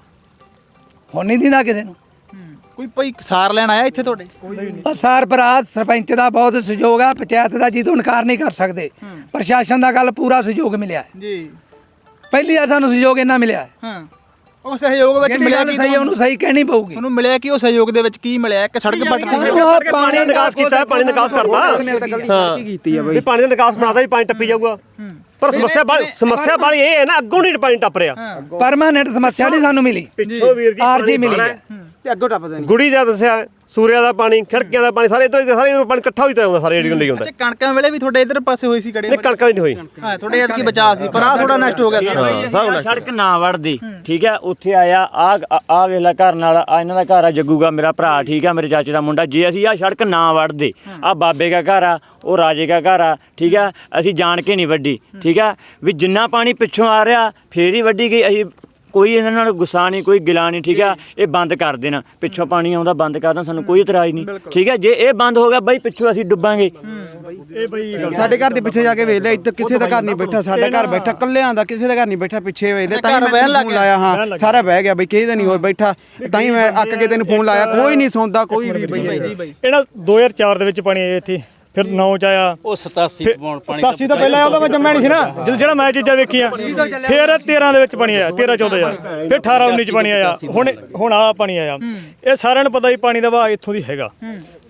S1: ਹੁਣ ਨਹੀਂ ਦਿੰਦਾ ਕਿਸੇ ਨੂੰ।
S3: ਕੋਈ ਕੋਈ ਸਾਰ ਲੈਣ ਆਇਆ ਇੱਥੇ ਤੁਹਾਡੇ?
S1: ਔਰ ਸਾਰ ਭਰਾ ਸਰਪੰਚ ਦਾ ਬਹੁਤ ਸਹਿਯੋਗ ਆ, ਪੰਚਾਇਤ ਦਾ ਜਿਹਦੋਂ ਇਨਕਾਰ ਨਹੀਂ ਕਰ ਸਕਦੇ, ਪ੍ਰਸ਼ਾਸਨ ਦਾ ਗੱਲ ਪੂਰਾ ਸਹਿਯੋਗ ਮਿਲਿਆ ਹੈ।
S3: ਜੀ
S1: ਪਹਿਲੀ ਵਾਰ ਸਾਨੂੰ ਸਹਿਯੋਗ ਇੰਨਾ ਮਿਲਿਆ ਹੈ।
S3: ਹਾਂ, ਉਹ ਸਹਿਯੋਗ ਵਿੱਚ
S1: ਜਿਹੜੀ
S3: ਮਿਲਿਆ
S1: ਗੱਲ
S3: ਕੀ
S1: ਸਹੀ ਉਹਨੂੰ ਸਹੀ ਕਹਿਣੀ ਪਊਗੀ।
S3: ਉਹਨੂੰ ਮਿਲਿਆ ਕਿ ਉਹ ਸਹਿਯੋਗ ਦੇ ਵਿੱਚ ਕੀ ਮਿਲਿਆ? ਕਿ ਸੜਕ ਪੱਟ
S1: ਸਾਨੂੰ ਆਹ
S2: ਪਾਣੀ ਦਾ ਨਿਕਾਸ ਕੀਤਾ ਹੈ, ਪਾਣੀ ਨਿਕਾਸ ਕਰਤਾ।
S7: ਹਾਂ ਕੀ ਕੀਤੀ ਆ ਬਈ,
S2: ਵੀ ਪਾਣੀ ਦਾ ਨਿਕਾਸ ਬਣਾਦਾ ਵੀ ਪਾਣੀ ਟੱਪੀ ਜਾਊਗਾ। ਪਰ ਸਮੱਸਿਆ ਬਾਲੀ ਸਮੱਸਿਆ ਬਾਲੀ ਇਹ ਹੈ ਨਾ, ਅੱਗੋਂ ਨਹੀਂ ਪਾਣੀ ਟੱਪ ਰਿਹਾ।
S1: ਪਰਮਾਨੈਂਟ ਸਮੱਸਿਆ ਨਹੀਂ ਸਾਨੂੰ ਮਿਲੀ,
S2: ਪਿੱਛੋਂ ਵੀਰ ਜੀ
S1: ਆਰਜੀ ਮਿਲੀ ਹੈ।
S7: ਤੇ ਅੱਗੋਂ ਟੱਪ ਜਾਣੀ।
S2: ਗੁੜੀ ਦਾ ਦੱਸਿਆ, ਸੂਰਿਆ ਦਾ ਪਾਣੀ, ਖਿੜਕੀਆਂ ਦਾ ਪਾਣੀ, ਸਾਰੇ ਇਧਰ ਸਾਰੇ ਇਧਰ ਪਾਣੀ ਇਕੱਠਾ ਹੋਈ ਤਾਂ ਆਉਂਦਾ, ਸਾਰੇ ਏਰੀਏ ਨੂੰ ਲਈ ਆਉਂਦਾ।
S3: ਅੱਛਾ, ਕਣਕਾਂ ਵੇਲੇ ਵੀ ਤੁਹਾਡੇ ਇਧਰ ਪਾਸੇ ਹੋਈ ਸੀ ਕੜੇ?
S2: ਨਹੀਂ ਕਣਕਾਂ ਵੀ ਨਹੀਂ ਹੋਈ।
S3: ਹਾਂ, ਤੁਹਾਡੇ ਐਤਕੀ ਬਚਾ ਸੀ, ਪਰ ਆ ਥੋੜਾ ਨਸ਼ਟ ਹੋ ਗਿਆ ਸਾਰਾ।
S6: ਆਹ ਸੜਕ ਨਾ ਵੜਦੀ। ਠੀਕ ਹੈ, ਉੱਥੇ ਆਇਆ ਆ ਆ ਵੇਖ ਲੈ ਘਰ ਨਾਲ ਆ, ਇਹਨਾਂ ਦਾ ਘਰ ਆ ਜੱਗੂਗਾ ਮੇਰਾ ਭਰਾ। ਠੀਕ ਹੈ, ਮੇਰੇ ਚਾਚੇ ਦਾ ਮੁੰਡਾ। ਜੇ ਅਸੀਂ ਆ ਸੜਕ ਨਾ ਵੜਦੇ, ਆ ਬਾਬੇ ਦਾ ਘਰ ਆ, ਉਹ ਰਾਜੇ ਦਾ ਘਰ ਆ। ਠੀਕ ਹੈ, ਅਸੀਂ ਜਾਣ ਕੇ ਨਹੀਂ ਵੱਡੀ। ਠੀਕ ਹੈ, ਵੀ ਜਿੰਨਾ ਪਾਣੀ ਪਿੱਛੋਂ ਆ ਰਿਹਾ ਫੇਰ ਹੀ ਵੱਡੀ ਗਈ। ਅਸੀਂ ਕੋਈ ਇਹਨਾਂ ਨਾਲ ਗੁੱਸਾ ਨਹੀਂ, ਕੋਈ ਗਿਲਾ ਨਹੀਂ। ਠੀਕ ਆ, ਇਹ ਬੰਦ ਕਰ ਦੇਣਾ, ਪਿੱਛੋਂ ਪਾਣੀ ਆਉਂਦਾ ਬੰਦ ਕਰ ਦੇਣਾ, ਸਾਨੂੰ ਕੋਈ ਇਤਰਾਜ਼ ਨਹੀਂ। ਠੀਕ ਹੈ, ਜੇ ਇਹ ਬੰਦ ਹੋ ਗਿਆ ਬਾਈ ਪਿੱਛੋਂ ਅਸੀਂ ਡੁੱਬਾਂਗੇ।
S8: ਇਹ ਬਈ
S7: ਸਾਡੇ ਘਰ ਦੇ ਪਿੱਛੇ ਜਾ ਕੇ ਵੇਖ ਲੈ, ਇੱਧਰ ਕਿਸੇ ਦਾ ਘਰ ਨਹੀਂ ਬੈਠਾ, ਸਾਡਾ ਘਰ ਬੈਠਾ, ਕੱਲਿਆਂ ਦਾ ਕਿਸੇ ਦਾ ਘਰ ਨਹੀਂ ਬੈਠਾ। ਪਿੱਛੇ ਵੇਖ ਲੈ, ਤਾਂ ਹੀ ਮੈਂ ਤੈਨੂੰ ਫੋਨ ਲਾਇਆ। ਹਾਂ ਸਾਰਾ ਬਹਿ ਗਿਆ ਬਈ, ਕਿਸੇ ਦਾ ਨਹੀਂ ਹੋਰ ਬੈਠਾ, ਤਾਂ ਹੀ ਮੈਂ ਅੱਕ ਕੇ ਤੈਨੂੰ ਫੋਨ ਲਾਇਆ। ਕੋਈ ਨਹੀਂ ਸੌਂਦਾ ਕੋਈ ਵੀ ਬਈ।
S8: ਇਹਨਾਂ ਦੋ ਹਜ਼ਾਰ ਚਾਰ ਦੇ ਵਿੱਚ ਪਾਣੀ ਆਇਆ ਇੱਥੇ, ਫਿਰ ਨੌ ਚ ਆਇਆ,
S5: ਉਹ ਸਤਾਸੀ ਪੌਣ ਪਾਣੀ
S8: ਸਤਾਸੀ ਤੋਂ ਪਹਿਲਾਂ ਆਉਂਦਾ, ਮੈਂ ਜੰਮਿਆ ਨਹੀਂ ਸੀ ਨਾ ਜਦੋਂ ਜਿਹੜਾ ਮੈਂ ਚੀਜ਼ਾਂ ਵੇਖੀਆਂ। ਫਿਰ ਤੇਰਾਂ ਦੇ ਵਿੱਚ ਪਾਣੀ ਆਇਆ, ਤੇਰਾਂ ਚੌਦਾਂ ਚ, ਫਿਰ ਅਠਾਰਾਂ ਉੱਨੀ ਚ ਪਾਣੀ ਆਇਆ, ਹੁਣ ਹੁਣ ਆ ਪਾਣੀ ਆਇਆ। ਇਹ ਸਾਰਿਆਂ ਨੂੰ ਪਤਾ ਵੀ ਪਾਣੀ ਦਾ ਵਹਾਅ ਇੱਥੋਂ ਦੀ ਹੈਗਾ।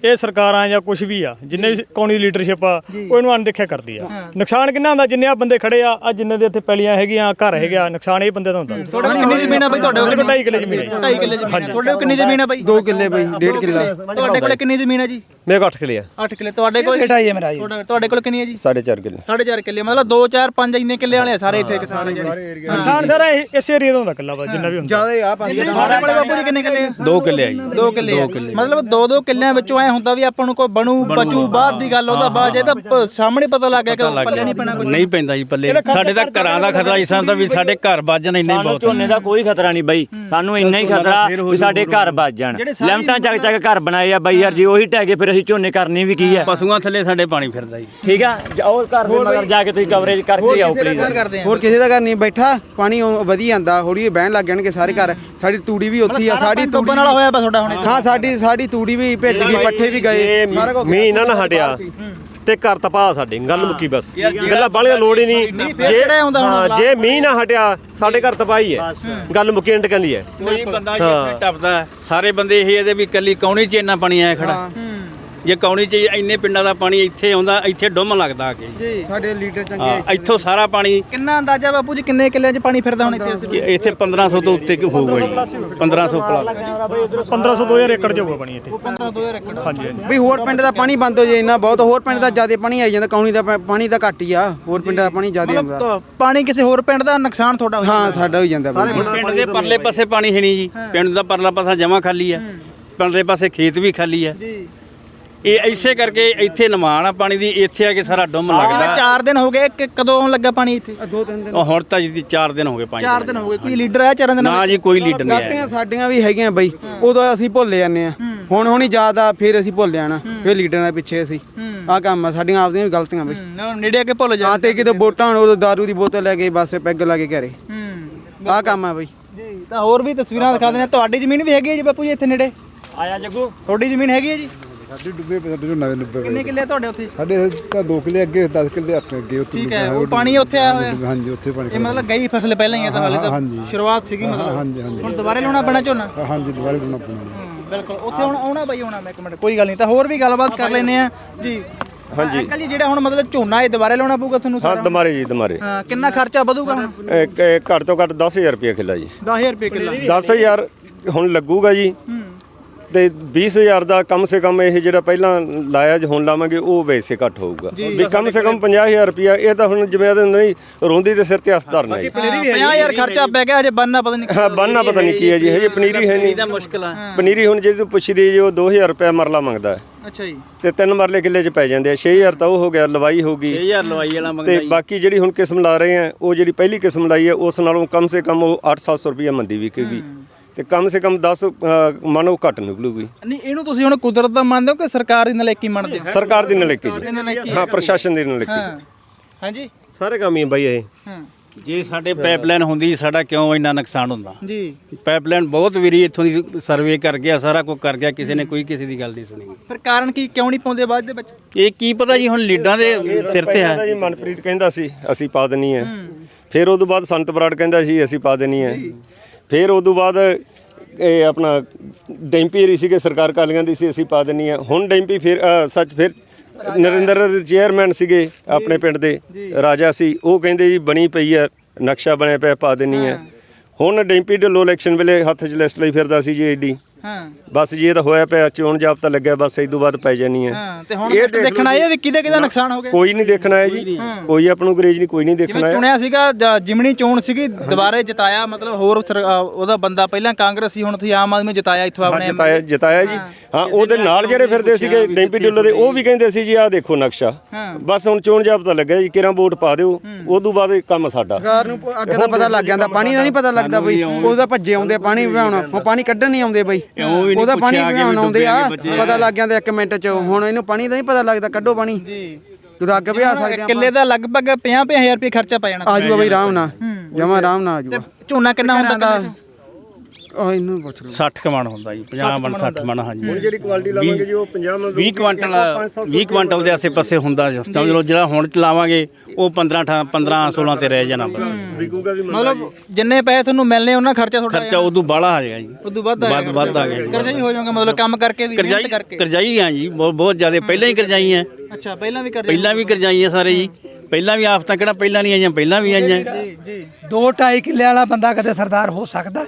S8: ਇਹ ਸਰਕਾਰਾਂ ਜਾਂ ਕੁਝ ਵੀ ਆ ਜਿੰਨੇ ਵੀ ਕੌਣੀ ਦੀ ਲੀਡਰਸ਼ਿਪ ਆ ਉਹ ਇਹਨੂੰ ਅਣਦੇਖਿਆ ਕਰਦੀ ਆ। ਨੁਕਸਾਨ ਕਿੰਨਾ ਹੁੰਦਾ ਜਿੰਨੇ ਆ ਬੰਦੇ ਖੜੇ ਆ ਆ ਜਿੰਨੇ ਦੇ ਇੱਥੇ ਪੈਲੀਆਂ ਹੈਗੀਆਂ ਘਰ ਹੈਗਾ ਨੁਕਸਾਨ ਇਹ ਬੰਦੇ ਦਾ ਹੁੰਦਾ।
S3: ਤੁਹਾਡੇ ਕੋਲ ਕਿੰਨੀ ਜ਼ਮੀਨ ਆ ਬਈ? ਤੁਹਾਡੇ ਕੋਲ
S8: ਢਾਈ ਕਿੱਲੇ ਜ਼ਮੀਨ ਹੈ।
S3: ਢਾਈ ਕਿੱਲੇ ਜ਼ਮੀਨ। ਤੁਹਾਡੇ ਕੋਲ ਕਿੰਨੀ ਜ਼ਮੀਨ ਆ ਬਈ?
S7: ਦੋ ਕਿੱਲੇ ਬਈ, ਡੇਢ ਕਿੱਲਾ।
S3: ਤੁਹਾਡੇ ਕੋਲ ਕਿੰਨੀ ਜ਼ਮੀਨ ਹੈ ਜੀ?
S2: ਮੇਰੇ ਕੋਲ ਅੱਠ ਕਿੱਲੇ ਆ।
S3: ਅੱਠ ਕਿੱਲੇ। ਤੁਹਾਡੇ ਕੋਲ
S1: ਬੇਟਾ ਹੀ ਹੈ ਮੇਰਾ ਜੀ।
S3: ਤੁਹਾਡਾ- ਤੁਹਾਡੇ ਕੋਲ ਕਿੰਨੀ ਹੈ ਜੀ?
S4: ਸਾਢੇ ਚਾਰ ਕਿੱਲੇ।
S3: ਸਾਢੇ ਚਾਰ ਕਿੱਲੇ। ਮਤਲਬ ਦੋ ਚਾਰ ਪੰਜ ਇੰਨੇ ਕਿੱਲੇ ਵਾਲੇ ਆ ਸਾਰੇ ਇੱਥੇ ਕਿਸਾਨ ਜਿਹੜੇ।
S8: ਨੁਕਸਾਨ ਸਾਰਾ ਇਹ- ਇਸ ਏਰੀਆ ਦਾ ਹੁੰਦਾ ਇਕੱਲਾ ਵਾ ਜਿੰਨਾ ਵੀ ਹੁੰਦਾ।
S7: ਜਿਆਦਾ ਆ ਪਾਸੇ
S3: ਤੁਹਾਡੇ ਕੋਲ ਬਾਪੂ ਜੀ ਕਿੰਨੇ ਕਿੱਲੇ ਆ?
S5: ਦੋ ਕਿੱਲੇ ਆ ਜੀ।
S3: ਦੋ ਕਿੱਲੇ ਆ। ਮਤਲਬ ਦੋ ਦੋ ਕਿੱਲਿਆਂ ਵਿੱਚੋਂ ਐ ਹੁੰਦਾ ਵੀ ਆਪਾਂ ਨੂੰ ਕੋਈ ਬਣੂ ਬਚੂ ਬਾਅਦ ਦੀ ਗੱਲ ਉਹਦਾ ਬਾਅਦ ਇਹ ਤਾਂ ਪ- ਸਾਹਮਣੇ ਪਤਾ ਲੱਗ ਗਿਆ ਕਿ ਪੱਲੇ ਨਹੀਂ ਪੈਣਾ ਕੁਝ।
S5: ਨਹੀਂ ਪੈਂਦਾ ਜੀ ਪੱਲੇ। ਸਾਡੇ ਤਾਂ ਘਰਾਂ ਦਾ ਖਤਰਾ ਇਸ ਤਰ੍ਹਾਂ ਦਾ ਵੀ ਸਾਡੇ ਘਰ ਵੱਜਣ ਇੰਨੇ
S6: ਸਾਨੂੰ
S5: ਬਹੁਤ
S6: ਝੋਨੇ ਦਾ ਕੋਈ ਖਤਰਾ ਨਹੀਂ ਬਈ, ਸਾਨੂੰ ਇੰਨਾ ਹੀ ਖਤਰਾ ਵੀ ਸਾਡੇ ਘਰ ਵੱਜ ਜਾਣ। ਲਿਮਟਾਂ ਚੱਕ ਚੱਕ ਘਰ ਬਣਾਏ ਆ ਬਈ ਯਾਰ, ਜੇ ਉਹੀ ਢਹਿ ਗਏ ਫਿਰ ਅਸੀਂ ਝੋਨੇ ਕਰਨੀ ਵੀ ਕੀ ਹੈ।
S5: ਪਸ਼ੂਆਂ ਥੱਲੇ ਸਾਡੇ ਪਾਣੀ ਫਿਰਦਾ ਜੀ।
S6: ਠੀਕ ਆ, ਉਹ ਘਰ ਦੇ ਮਗਰ ਜਾ ਕੇ ਤੁਸੀਂ ਕਵਰੇਜ ਕਰਕੇ ਆਓ ਪਲੀਜ਼।
S3: ਕਰਦੇ ਆ
S7: ਹੋਰ ਕਿਸੇ ਦਾ ਘਰ ਨਹੀਂ ਬੈਠਾ, ਪਾਣੀ ਉਹ ਵਧੀ ਜਾਂਦਾ, ਹੌਲੀ ਬਹਿਣ ਲੱਗ ਜਾਣਗੇ ਸਾਰੇ ਘਰ। ਸਾਡੀ ਤੂੜੀ ਵੀ ਉੱਥੇ ਆ, ਸਾਡੀ ਤੂੜੀ
S3: ਡੁੱਬਣ ਵਾਲਾ ਹੋਇਆ ਪਿਆ ਤੁਹਾਡਾ ਹੁਣ ਇੱਥੇ।
S7: ਹਾਂ ਸਾਡੀ ਸਾਡੀ ਤੂੜੀ ਵੀ ਭਿੱਜ ਗਈ, ਪੱਠੇ ਵੀ ਗਏ,
S2: ਇਹ
S7: ਸਾਰਾ ਕੁਝ
S2: ਮੀਂਹ ਨਾ ਨਾ ਹਟਿਆ ਤੇ ਘਰ ਤਪਾ ਸਾਡੇ, ਗੱਲ ਮੁੱਕੀ ਬਸ। ਗੱਲਾਂ ਬਾਲੀਆਂ ਲੋੜ ਹੀ ਨਹੀਂ।
S3: ਜਿਹੜਾ ਆਉਂਦਾ ਹੁਣ
S2: ਹਾਂ, ਜੇ ਮੀਂਹ ਨਾ ਹਟਿਆ ਸਾਡੇ ਘਰ ਤਪਾਈ ਹੈ, ਗੱਲ ਮੁੱਕੀ ਐਂਡ ਕਹਿੰਦੀ ਹੈ।
S5: ਕੋਈ ਬੰਦਾ ਜਿੱਥੇ ਟੱਪਦਾ ਸਾਰੇ ਬੰਦੇ ਇਹ ਇਹਦੇ ਵੀ ਕੱਲੀ ਕੌਣੀ 'ਚ ਇੰਨਾ ਪਾਣੀ ਆਇਆ ਖੜਾ। ਜੇ ਕੌਣੀ 'ਚ ਇੰਨੇ ਪਿੰਡਾਂ ਦਾ ਪਾਣੀ ਇੱਥੇ ਆਉਂਦਾ, ਇੱਥੇ ਡੁੰਮ ਲੱਗਦਾ ਆ ਕੇ।
S7: ਸਾਡੇ ਲੀਡਰ ਚੰਗੇ।
S5: ਹਾਂ, ਇੱਥੋਂ ਸਾਰਾ ਪਾਣੀ
S3: ਕਿੰਨਾ ਅੰਦਾਜ਼ਾ ਬਾਪੂ ਜੀ ਕਿੰਨੇ ਕਿੱਲਿਆਂ 'ਚ ਪਾਣੀ ਫਿਰਦਾ ਹੁਣ ਇੱਥੇ?
S5: ਕਿ ਇੱਥੇ ਪੰਦਰਾਂ ਸੌ ਤੋਂ ਉੱਤੇ ਹੋਊਗਾ ਜੀ। ਪੰਦਰਾਂ ਸੌ ਪਲੱਸ
S8: ਪੰਦਰਾਂ ਸੌ ਦੋ ਹਜ਼ਾਰ ਏਕੜ ਜਾਊਗਾ ਪਾਣੀ ਇੱਥੇ।
S3: ਪੰਦਰਾਂ ਦੋ ਹਜ਼ਾਰ ਏਕੜ।
S8: ਹਾਂਜੀ ਹਾਂਜੀ।
S7: ਵੀ ਹੋਰ ਪਿੰਡ ਦਾ ਪਾਣੀ ਬੰਦ ਹੋ ਜਾਏ ਇੰਨਾ ਬਹੁਤ, ਹੋਰ ਪਿੰਡ ਦਾ ਜ਼ਿਆਦਾ ਪਾਣੀ ਆਈ ਜਾਂਦਾ, ਕੌਣੀ ਦਾ ਪਾ- ਪਾਣੀ ਤਾਂ ਘੱਟ ਹੀ ਆ, ਹੋਰ ਪਿੰਡਾਂ ਦਾ ਪਾਣੀ ਜ਼ਿਆਦਾ ਆਉਂਦਾ।
S3: ਮਤਲਬ ਪਾਣੀ ਕਿਸੇ ਹੋਰ ਪਿੰਡ ਦਾ ਨੁਕਸਾਨ ਤੁਹਾਡਾ ਹੋਇਆ?
S7: ਹਾਂ ਸਾਡਾ ਹੋ ਜਾਂਦਾ ਬਈ।
S5: ਪਿੰਡ ਦੇ ਪਰਲੇ ਪਾਸੇ ਪਾਣੀ ਹੈ ਨਹੀਂ ਜੀ। ਪਿੰਡ ਦਾ ਪਰਲਾ ਪਾਸਾ ਜਮਾ ਖਾਲੀ ਆ, ਪਰਲੇ ਪਾਸੇ ਖੇਤ ਵੀ ਖਾਲੀ ਆ।
S3: ਜੀ।
S5: ਇਹ ਇਸੇ ਕਰਕੇ ਇੱਥੇ ਨਿਮਾਣ ਆ ਪਾਣੀ ਦੀ, ਇੱਥੇ ਆ ਕੇ ਸਾਰਾ ਡੁੰਮ
S3: ਜਿਵੇਂ
S5: ਲੱਗਦਾ।
S3: ਚਾਰ ਦਿਨ ਹੋ ਗਏ ਕਿ ਕਦੋਂ ਆਉਣ ਲੱਗਾ ਪਾਣੀ ਇੱਥੇ?
S7: ਦੋ ਤਿੰਨ ਦਿਨ
S5: ਉਹ ਹੁਣ ਤਾਂ ਜੀ ਚਾਰ ਦਿਨ ਹੋ ਗਏ ਪੰਜ
S3: ਚਾਰ ਦਿਨ ਹੋ ਗਏ। ਕੋਈ ਲੀਡਰ ਆਇਆ ਚਾਰਾਂ ਦਿਨਾਂ
S5: ਨਾ ਜੀ, ਕੋਈ ਲੀਡਰ ਨਹੀਂ ਆਇਆ।
S7: ਗਲਤੀਆਂ ਸਾਡੀਆਂ ਵੀ ਹੈਗੀਆਂ ਬਈ, ਉਦੋਂ ਅਸੀਂ ਭੁੱਲ ਜਾਂਦੇ ਆ, ਹੁਣ ਹੁਣ ਹੀ ਯਾਦ ਆ ਫਿਰ ਅਸੀਂ ਭੁੱਲ ਜਾਣਾ, ਫਿਰ ਲੀਡਰਾਂ ਦੇ ਪਿੱਛੇ ਅਸੀਂ ਆਹ ਕੰਮ ਆ, ਸਾਡੀਆਂ ਆਪਦੀਆਂ ਵੀ ਗਲਤੀਆਂ ਬਈ।
S3: ਨਾਲ ਨੇੜੇ ਆ ਕੇ ਭੁੱਲ ਜਾ।
S7: ਹਾਂ ਤੇ ਕਿਤੇ ਵੋਟਾਂ ਹੋਣ ਉਦੋਂ ਦਾਰੂ ਦੀ ਬੋਤਲ ਲੈ ਕੇ ਬਸ ਪੈਗ ਲਾ ਕੇ ਘਰੇ,
S3: ਹੂੰ
S7: ਆਹ ਕੰਮ ਆ ਬਈ।
S3: ਜੀ। ਤਾਂ ਹੋਰ ਵੀ ਤਸਵੀਰਾਂ ਦਿਖਾ ਦਿੰਦੇ ਆ। ਤੁਹਾਡੀ ਜ਼ਮੀਨ ਵੀ ਹੈਗੀ ਹੈ ਜੀ ਬਾਪੂ ਜੀ ਇੱਥੇ ਨੇੜੇ?
S6: ਆਇਆ ਜੱਗੂ,
S3: ਤੁਹਾਡੀ ਜ਼ਮੀਨ ਹੈਗੀ ਹੈ ਜੀ?
S9: ਸਾਡੇ ਡੁੱਬੇ ਪਏ, ਸਾਡੇ ਨਵੇਂ ਡੁੱਬੇ
S3: ਕਿੰਨੇ ਕਿੱਲੇ ਆ ਤੁਹਾਡੇ ਉੱਥੇ?
S9: ਸਾਡੇ ਤਾਂ ਦੋ ਕਿੱਲੇ ਅੱਗੇ, ਦਸ ਕਿੱਲੇ ਅੱਠ ਅੱਗੇ ਉੱਥੇ
S3: ਠੀਕ ਹੈ, ਉਹ ਪਾਣੀ ਉੱਥੇ ਆਇਆ ਹੋਇਆ?
S9: ਹਾਂਜੀ ਉੱਥੇ ਪਾਣੀ
S3: ਇਹ ਮਤਲਬ ਗਈ ਫਸਲ ਪਹਿਲਾਂ ਹੀ ਹੈ ਤਾਂ ਹਾਲੇ ਤਾਂ
S9: ਹਾਂਜੀ।
S3: ਸ਼ੁਰੂਆਤ ਸੀਗੀ ਮਤਲਬ।
S9: ਹਾਂਜੀ ਹਾਂਜੀ
S3: ਹੁਣ ਦੁਬਾਰੇ ਲਾਉਣਾ ਪੈਣਾ ਝੋਨਾ?
S9: ਹਾਂਜੀ ਦੁਬਾਰੇ ਬਣਾ ਪਣਾ
S3: ਬਿਲਕੁਲ। ਉੱਥੇ ਹੁਣ ਆਉਣਾ ਬਾਈ, ਆਉਣਾ ਮੈਂ ਇੱਕ ਮਿੰਟ, ਕੋਈ ਗੱਲ ਨਹੀਂ। ਤਾਂ ਹੋਰ ਵੀ ਗੱਲਬਾਤ ਕਰ ਲੈਨੇ ਆ ਜੀ।
S2: ਹਾਂਜੀ।
S3: ਅੰਕਲ ਜੀ ਜਿਹੜਾ ਹੁਣ ਮਤਲਬ ਝੋਨਾ ਇਹ ਦੁਬਾਰੇ ਲਾਉਣਾ ਪਊਗਾ ਤੁਹਾਨੂੰ
S4: ਹਾਂ
S3: ਸਾਰਾ?
S4: ਦਮਾਰੇ ਜੀ ਦਮਾਰੇ
S3: ਹਾਂ, ਕਿੰਨਾ ਖਰਚਾ ਵਧੂਗਾ ਹੁਣ?
S4: ਇੱਕ ਇੱਕ ਘੱਟ ਤੋਂ ਘੱਟ ਦਸ ਹਜ਼ਾਰ ਰੁਪਏ ਕਿੱਲਾ ਜੀ।
S3: ਦਸ ਹਜ਼ਾਰ ਰੁਪਏ ਕਿੱਲਾ।
S4: ਦਸ ਹਜ਼ਾਰ ਹੁਣ ਲੱਗੂਗਾ ਜੀ, ਤੇ ਵੀਹ ਹਜ਼ਾਰ ਦਾ ਕਮ ਸੇ ਕਮ ਇਹ ਜਿਹੜਾ ਪਹਿਲਾਂ ਲਾਇਆ ਜ ਹੁਣ ਲਾਵਾਂਗੇ ਉਹ ਵੈਸੇ ਘੱਟ ਹੋਊਗਾ ਵੀ ਕਮ ਸੇ ਕਮ ਪੰਜਾਹ ਹਜ਼ਾਰ ਰੁਪਇਆ। ਇਹ ਤਾਂ ਹੁਣ ਜਿਵੇਂ ਇਹਦੇ ਨਹੀਂ ਰੋਂਦੀ ਦੇ ਸਿਰ ਤੇ ਹੱਥ ਧਰਨਾ ਜੀ।
S3: ਪੰਜਾਹ ਹਜ਼ਾਰ ਖਰਚਾ ਪੈ ਗਿਆ, ਹਜੇ ਬੰਨਾ ਪਤਾ ਨਹੀਂ।
S4: ਹਾਂ ਬੰਨਾ ਪਤਾ ਨਹੀਂ ਕੀ ਹੈ ਜੀ, ਹਜੇ ਪਨੀਰੀ ਹੈ ਨਹੀਂ।
S5: ਇਹਦਾ ਮੁਸ਼ਕਲ ਆ।
S4: ਪਨੀਰੀ ਹੁਣ ਜੇ ਤੂੰ ਪੁੱਛਦੀ ਜੀ ਉਹ ਦੋ ਹਜ਼ਾਰ ਰੁਪਇਆ ਮਰਲਾ ਮੰਗਦਾ ਹੈ,
S3: ਅੱਛਾ ਜੀ।
S4: ਤੇ ਤਿੰਨ ਮਰਲੇ ਕਿੱਲੇ 'ਚ ਪੈ ਜਾਂਦੇ ਆ। ਛੇ ਹਜ਼ਾਰ ਤਾਂ ਉਹ ਹੋ ਗਿਆ, ਲਵਾਈ ਹੋ ਗਈ।
S5: ਛੇ ਹਜ਼ਾਰ ਲਵਾਈ ਵਾਲਾ
S4: ਤੇ
S5: ਮੰਗਦਾ ਜੀ।
S4: ਬਾਕੀ ਜਿਹੜੀ ਹੁਣ ਕਿਸਮ ਲਾ ਰਹੇ ਆ, ਉਹ ਜਿਹੜੀ ਪਹਿਲੀ ਕਿਸਮ ਲਾਈ ਹੈ ਉਸ ਨਾਲੋਂ ਕਮ ਸੇ ਕਮ ਉਹ ਅੱਠ ਸੱਤ ਸੌ ਰੁਪਇਆ ਮੰਦੀ ਵਿਕੇਗੀ, ਤੇ ਕਮ ਸੇ ਕਮ ਦਸ ਮਾਨੋ ਘੱਟ ਨਿਕਲੂਗੀ।
S3: ਨਹੀਂ, ਇਹਨੂੰ ਤੁਸੀਂ ਹੁਣ ਕੁਦਰਤ ਦਾ ਮੰਨਦੇ ਹੋ ਕਿ ਸਰਕਾਰ ਦੀ ਨਲਾਇਕੀ ਮੰਨਦੇ ਹੋ?
S4: ਸਰਕਾਰ ਦੀ ਨਲਾਇਕੀ ਜੀ, ਹਾਂ ਪ੍ਰਸ਼ਾਸਨ ਦੀ ਨਲਾਇਕੀ।
S3: ਹਾਂ ਹਾਂਜੀ।
S2: ਸਾਰੇ ਕੰਮ ਹੀ ਆ ਬਾਈ ਇਹ।
S3: ਹਾਂ
S5: ਜੇ ਸਾਡੇ ਪਾਈਪਲਾਈਨ ਹੁੰਦੀ ਸਾਡਾ ਕਿਉਂ ਇੰਨਾ ਨੁਕਸਾਨ ਹੁੰਦਾ।
S3: ਜੀ।
S5: ਪਾਈਪਲਾਈਨ ਬਹੁਤ ਵਾਰੀ ਇੱਥੋਂ ਦੀ ਸਰਵੇ ਕਰ ਗਿਆ, ਸਾਰਾ ਕੁਝ ਕਰ ਗਿਆ, ਕਿਸੇ ਨੇ ਕੋਈ ਕਿਸੇ ਦੀ ਗੱਲ ਨਹੀਂ ਸੁਣੀ।
S3: ਫਿਰ ਕਾਰਨ ਕੀ, ਕਿਉਂ ਨਹੀਂ ਪਾਉਂਦੇ ਬਾਅਦ ਦੇ ਵਿੱਚ?
S5: ਇਹ ਕੀ ਪਤਾ ਜੀ, ਹੁਣ ਲੀਡਰਾਂ ਦੇ ਸਿਰ ਤੇ ਆ।
S4: ਜੀ ਮਨਪ੍ਰੀਤ ਕਹਿੰਦਾ ਸੀ ਅਸੀਂ ਪਾ ਦੇਣੀ ਹੈ, ਫਿਰ ਉਦੋਂ ਬਾਅਦ ਸੰਤ ਬਰਾੜ ਕਹਿੰਦਾ ਸੀ ਅਸੀਂ ਪਾ ਦੇਣੀ ਹੈ, ਫਿਰ ਉਦੋਂ ਬਾਅਦ ਇਹ ਆਪਣਾ ਡੈਂਪੀ ਏਰੀ ਸੀਗੇ ਸਰਕਾਰ ਕਾਲੀਆਂ ਦੀ ਸੀ ਅਸੀਂ ਪਾ ਦੇਣੀ ਹੈ। ਹੁਣ ਡੈਂਪੀ ਫਿਰ ਅ, ਸੱਚ ਫਿਰ ਨਰਿੰਦਰ ਦੇ ਚੇਅਰਮੈਨ ਸੀਗੇ ਆਪਣੇ ਪਿੰਡ ਦੇ ਰਾਜਾ ਸੀ, ਉਹ ਕਹਿੰਦੇ ਜੀ ਬਣੀ ਪਈ ਹੈ, ਨਕਸ਼ਾ ਬਣਿਆ ਪਿਆ, ਪਾ ਦੇਣੀ ਹੈ। ਹੁਣ ਡੈਂਪੀ ਢਿੱਲੋਂ ਇਲੈਕਸ਼ਨ ਵੇਲੇ ਹੱਥ 'ਚ ਲਿਸਟ ਲਈ ਫਿਰਦਾ ਸੀ ਜੀ ਏਡੀ,
S3: ਹਾਂ
S4: ਬਸ ਜੀ ਇਹ ਤਾਂ ਹੋਇਆ ਪਿਆ, ਚੋਣ ਜਾਬਤਾ ਲੱਗਿਆ, ਬਸ ਇਸ ਤੋਂ ਬਾਅਦ ਪੈ ਜਾਣੀ ਹੈ।
S3: ਹਾਂ। ਤੇ ਹੁਣ ਦੇਖਣਾ ਇਹ ਵੀ ਕਿਹਦੇ ਕਿਹਦਾ ਨੁਕਸਾਨ ਹੋ ਗਿਆ?
S4: ਕੋਈ ਨਹੀਂ ਦੇਖਣਾ ਹੈ ਜੀ, ਕੋਈ ਆਪ ਨੂੰ ਗਰੇਜ ਨਹੀਂ, ਕੋਈ ਨਹੀਂ ਦੇਖਣਾ
S3: ਜਿਵੇਂ
S4: ਹੈ।
S3: ਚੁਣਿਆ ਸੀਗਾ ਜ- ਜਿਮਣੀ ਚੋਣ ਸੀਗੀ, ਦੁਬਾਰੇ ਜਿਤਾਇਆ, ਮਤਲਬ ਹੋਰ ਸਰ- ਅ, ਉਹਦਾ ਬੰਦਾ ਪਹਿਲਾਂ ਕਾਂਗਰਸੀ, ਹੁਣ ਤੁਸੀਂ ਆਮ ਆਦਮੀ ਜਿਤਾਇਆ ਇੱਥੋਂ
S4: ਹਾਂ
S3: ਆਪਣੇ।
S4: ਜਿਤਾਇਆ ਜਿਤਾਇਆ ਜੀ, ਹਾਂ ਉਹਦੇ ਨਾਲ ਜਿਹੜੇ ਫਿਰਦੇ ਸੀਗੇ ਡੈਂਪੀ ਢਿੱਲੋਂ ਦੇ, ਉਹ ਵੀ ਕਹਿੰਦੇ ਸੀ ਜੀ ਆਹ ਦੇਖੋ ਨਕਸ਼ਾ, ਬਸ ਹੁਣ ਚੋਣ ਜਾਬਤਾ ਲੱਗਿਆ ਜੀ, ਕਿਰਾਂ ਵੋਟ ਪਾ ਦਿਓ, ਉਦੋਂ ਬਾਅਦ ਇਹ ਕੰਮ ਸਾਡਾ।
S7: ਸਰਕਾਰ ਨੂੰ ਅੱਗੇ ਦਾ ਪਤਾ ਲੱਗ ਜਾਂਦਾ, ਪਾਣੀ ਦਾ ਨਹੀਂ ਪਤਾ ਲੱਗਦਾ ਬਈ, ਉਹਦਾ ਭੱਜੇ ਆਉਂਦੇ ਪਾਣੀ ਵਿਹਾਉਣ, ਹੁਣ ਪਾਣੀ ਕੱਢਣ ਨਹੀਂ ਆਉਂਦੇ ਬਈ, ਉਹਦਾ ਪਾਣੀ ਵਿਹਾਉਣ ਆਉਂਦੇ ਆ, ਪਤਾ ਲੱਗ ਜਾਂਦਾ ਇੱਕ ਮਿੰਟ 'ਚ। ਹੁਣ ਇਹਨੂੰ ਪਾਣੀ ਦਾ ਨਹੀਂ ਪਤਾ ਲੱਗਦਾ, ਕੱਢੋ ਪਾਣੀ ਜਦੋਂ ਅੱਗ ਵਿਹਾ ਸਕਦੇ ਆ।
S3: ਕਿੱਲੇ ਦਾ ਲਗਭਗ ਪੰਜਾਹ ਪੰਜਾਹ ਹਜ਼ਾਰ ਰੁਪਏ ਖਰਚਾ ਪੈ ਜਾਣਾ
S7: ਆ ਜੂਗਾ ਬਈ ਆਰਾਮ ਨਾਲ, ਜਮਾ ਆਰਾਮ ਨਾਲ ਆ ਜੂਗਾ।
S3: ਝੋਨਾ ਕਿੰਨਾ ਹੁੰਦਾ?
S7: ਆ ਇਹਨੂੰ ਪੁੱਛ ਲਓ
S5: ਸੱਠ ਕੁ ਮਣ ਹੁੰਦਾ ਜੀ ਪੰਜਾਹ ਮਣ ਸੱਠ ਮਣ ਹਾਂਜੀ
S4: ਹੁਣ ਜਿਹੜੀ ਕੁਆਲਿਟੀ ਲਾਵਾਂਗੇ ਜੀ ਉਹ ਪੰਜਾਹ ਮਣ
S5: ਵੀਹ ਕੁਆਂਟਲ ਵੀਹ ਕੁਆਂਟਲ ਦੇ ਆਸੇ ਪਾਸੇ ਹੁੰਦਾ ਜੀ। ਸਮਝ ਲਓ ਜਿਹੜਾ ਹੁਣ ਲਾਵਾਂਗੇ ਉਹ ਪੰਦਰਾਂ ਅਠਾਰਾਂ ਪੰਦਰਾਂ ਸੋਲਾਂ ਤੇ ਰਹਿ ਜਾਣਾ ਬਸ।
S4: ਵਿਕੂਗਾ ਵੀ
S3: ਮਤਲਬ ਜਿੰਨੇ ਪੈਸੇ ਤੁਹਾਨੂੰ ਮਿਲਨੇ ਉਹਨਾਂ ਖਰਚਾ ਤੁਹਾਡਾ
S5: ਖਰਚਾ ਉਦੋਂ ਬਾਹਲਾ ਆ ਜਾਏਗਾ ਜੀ,
S3: ਉਦੋਂ ਵੱਧ
S5: ਵੱਧ ਵੱਧ ਆ ਗਿਆ ਜੀ।
S3: ਕਰਜ਼ਾ ਹੀ ਹੋ ਜਾਊਗਾ ਮਤਲਬ ਕੰਮ ਕਰਕੇ ਵੀ
S5: ਕਰਜ਼ਾਈ
S3: ਮਿਹਨਤ ਕਰਕੇ।
S5: ਕਰਜ਼ਾਈ ਆ ਜੀ ਬਹੁਤ ਬਹੁਤ ਜ਼ਿਆਦਾ, ਪਹਿਲਾਂ ਹੀ ਕਰਜ਼ਾਈ ਆ,
S3: ਅੱਛਾ ਪਹਿਲਾਂ ਵੀ ਕਰਜ਼ਾ
S5: ਪਹਿਲਾਂ ਵੀ ਕਰਜ਼ਾਈ ਆ ਸਾਰੇ ਜੀ। ਪਹਿਲਾਂ ਵੀ ਆਫਤਾਂ ਕਿਹੜਾ ਪਹਿਲਾਂ ਨਹੀਂ ਆਈਆਂ, ਪਹਿਲਾਂ ਵੀ ਆਈਆਂ।
S3: ਜੀ ਜੀ
S1: ਦੋ ਢਾਈ ਕਿੱਲੇ ਵਾਲਾ ਬੰਦਾ ਕਦੇ ਸਰਦਾਰ ਹੋ ਸਕਦਾ?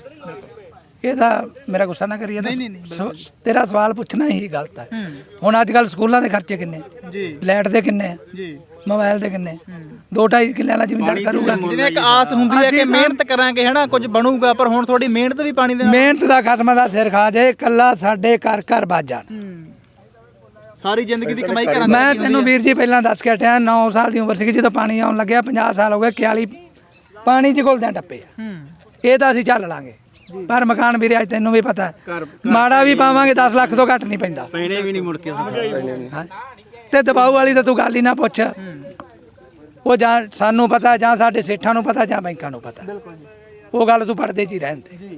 S1: ਇਹਦਾ ਮੇਰਾ ਗੁੱਸਾ ਨਾ ਕਰੀਏ ਤਾਂ ਸ- ਤੇਰਾ ਸਵਾਲ ਪੁੱਛਣਾ ਹੀ ਗਲਤ ਹੈ। ਹੁਣ ਅੱਜ ਕੱਲ ਸਕੂਲਾਂ ਦੇ ਖਰਚੇ ਕਿੰਨੇ,
S3: ਜੀ
S1: ਲਾਈਟ ਦੇ ਕਿੰਨੇ ਆ,
S3: ਜੀ
S1: ਮੋਬਾਈਲ ਦੇ ਕਿੰਨੇ, ਦੋ ਢਾਈ ਕਿੱਲੇ ਵਾਲਾ ਜ਼ਿਮੀਂਦਾਰ ਕਰੂਗਾ ਕੀ?
S3: ਜਿਵੇਂ ਇੱਕ ਆਸ ਹੁੰਦੀ ਹੈ ਕਿ ਮਿਹਨਤ ਕਰਾਂਗੇ ਹਨਾ ਕੁਝ ਬਣੂਗਾ, ਪਰ ਹੁਣ ਤੁਹਾਡੀ ਮਿਹਨਤ ਵੀ ਪਾਣੀ ਦੇ ਨਾਲ
S1: ਮਿਹਨਤ ਦਾ ਖਸਮਾਂ ਦਾ ਸਿਰ ਖਾ ਜੇ, ਕੱਲਾ ਸਾਡੇ ਘਰ ਘਰ ਵੱਜ ਜਾਣ।
S3: ਸਾਰੀ ਜ਼ਿੰਦਗੀ ਦੀ ਕਮਾਈ ਕਰਾਂ
S1: ਮੈਂ ਤੈਨੂੰ ਵੀਰ ਜੀ ਪਹਿਲਾਂ ਦੱਸ ਕੇ ਹਟਿਆ, ਨੌ ਸਾਲ ਦੀ ਉਮਰ ਸੀ ਜਦੋਂ ਪਾਣੀ ਆਉਣ ਲੱਗਿਆ, ਪੰਜਾਹ ਸਾਲ ਹੋ ਗਏ, ਇਕਤਾਲੀ ਪਾਣੀ 'ਚ ਘੁਲਦਿਆਂ ਟੱਪੇ ਆ। ਇਹ ਤਾਂ ਅਸੀਂ ਚੱਲ ਲਾਂਗੇ, ਪਰ ਮਕਾਨ ਵੀਰੇ ਅੱਜ ਤੈਨੂੰ ਵੀ ਪਤਾ ਹੈ, ਮਾੜਾ ਵੀ ਪਾਵਾਂਗੇ ਦਸ ਲੱਖ ਤੋਂ ਘੱਟ ਨਹੀਂ ਪੈਂਦਾ।
S5: ਪੈਣੇ ਵੀ ਨਹੀਂ ਮੁੜ ਕੇ
S1: ਹਾਂ। ਤੇ ਦਬਾਊ ਵਾਲੀ ਤਾਂ ਤੂੰ ਗੱਲ ਹੀ ਨਾ ਪੁੱਛ, ਉਹ ਜਾਂ ਸਾਨੂੰ ਪਤਾ ਜਾਂ ਸਾਡੇ ਸੇਠਾਂ ਨੂੰ ਪਤਾ ਜਾਂ ਬੈਂਕਾਂ ਨੂੰ ਪਤਾ, ਉਹ ਗੱਲ ਤੂੰ ਪੜਦੇ 'ਚ ਹੀ ਰਹਿਣ ਦੇ।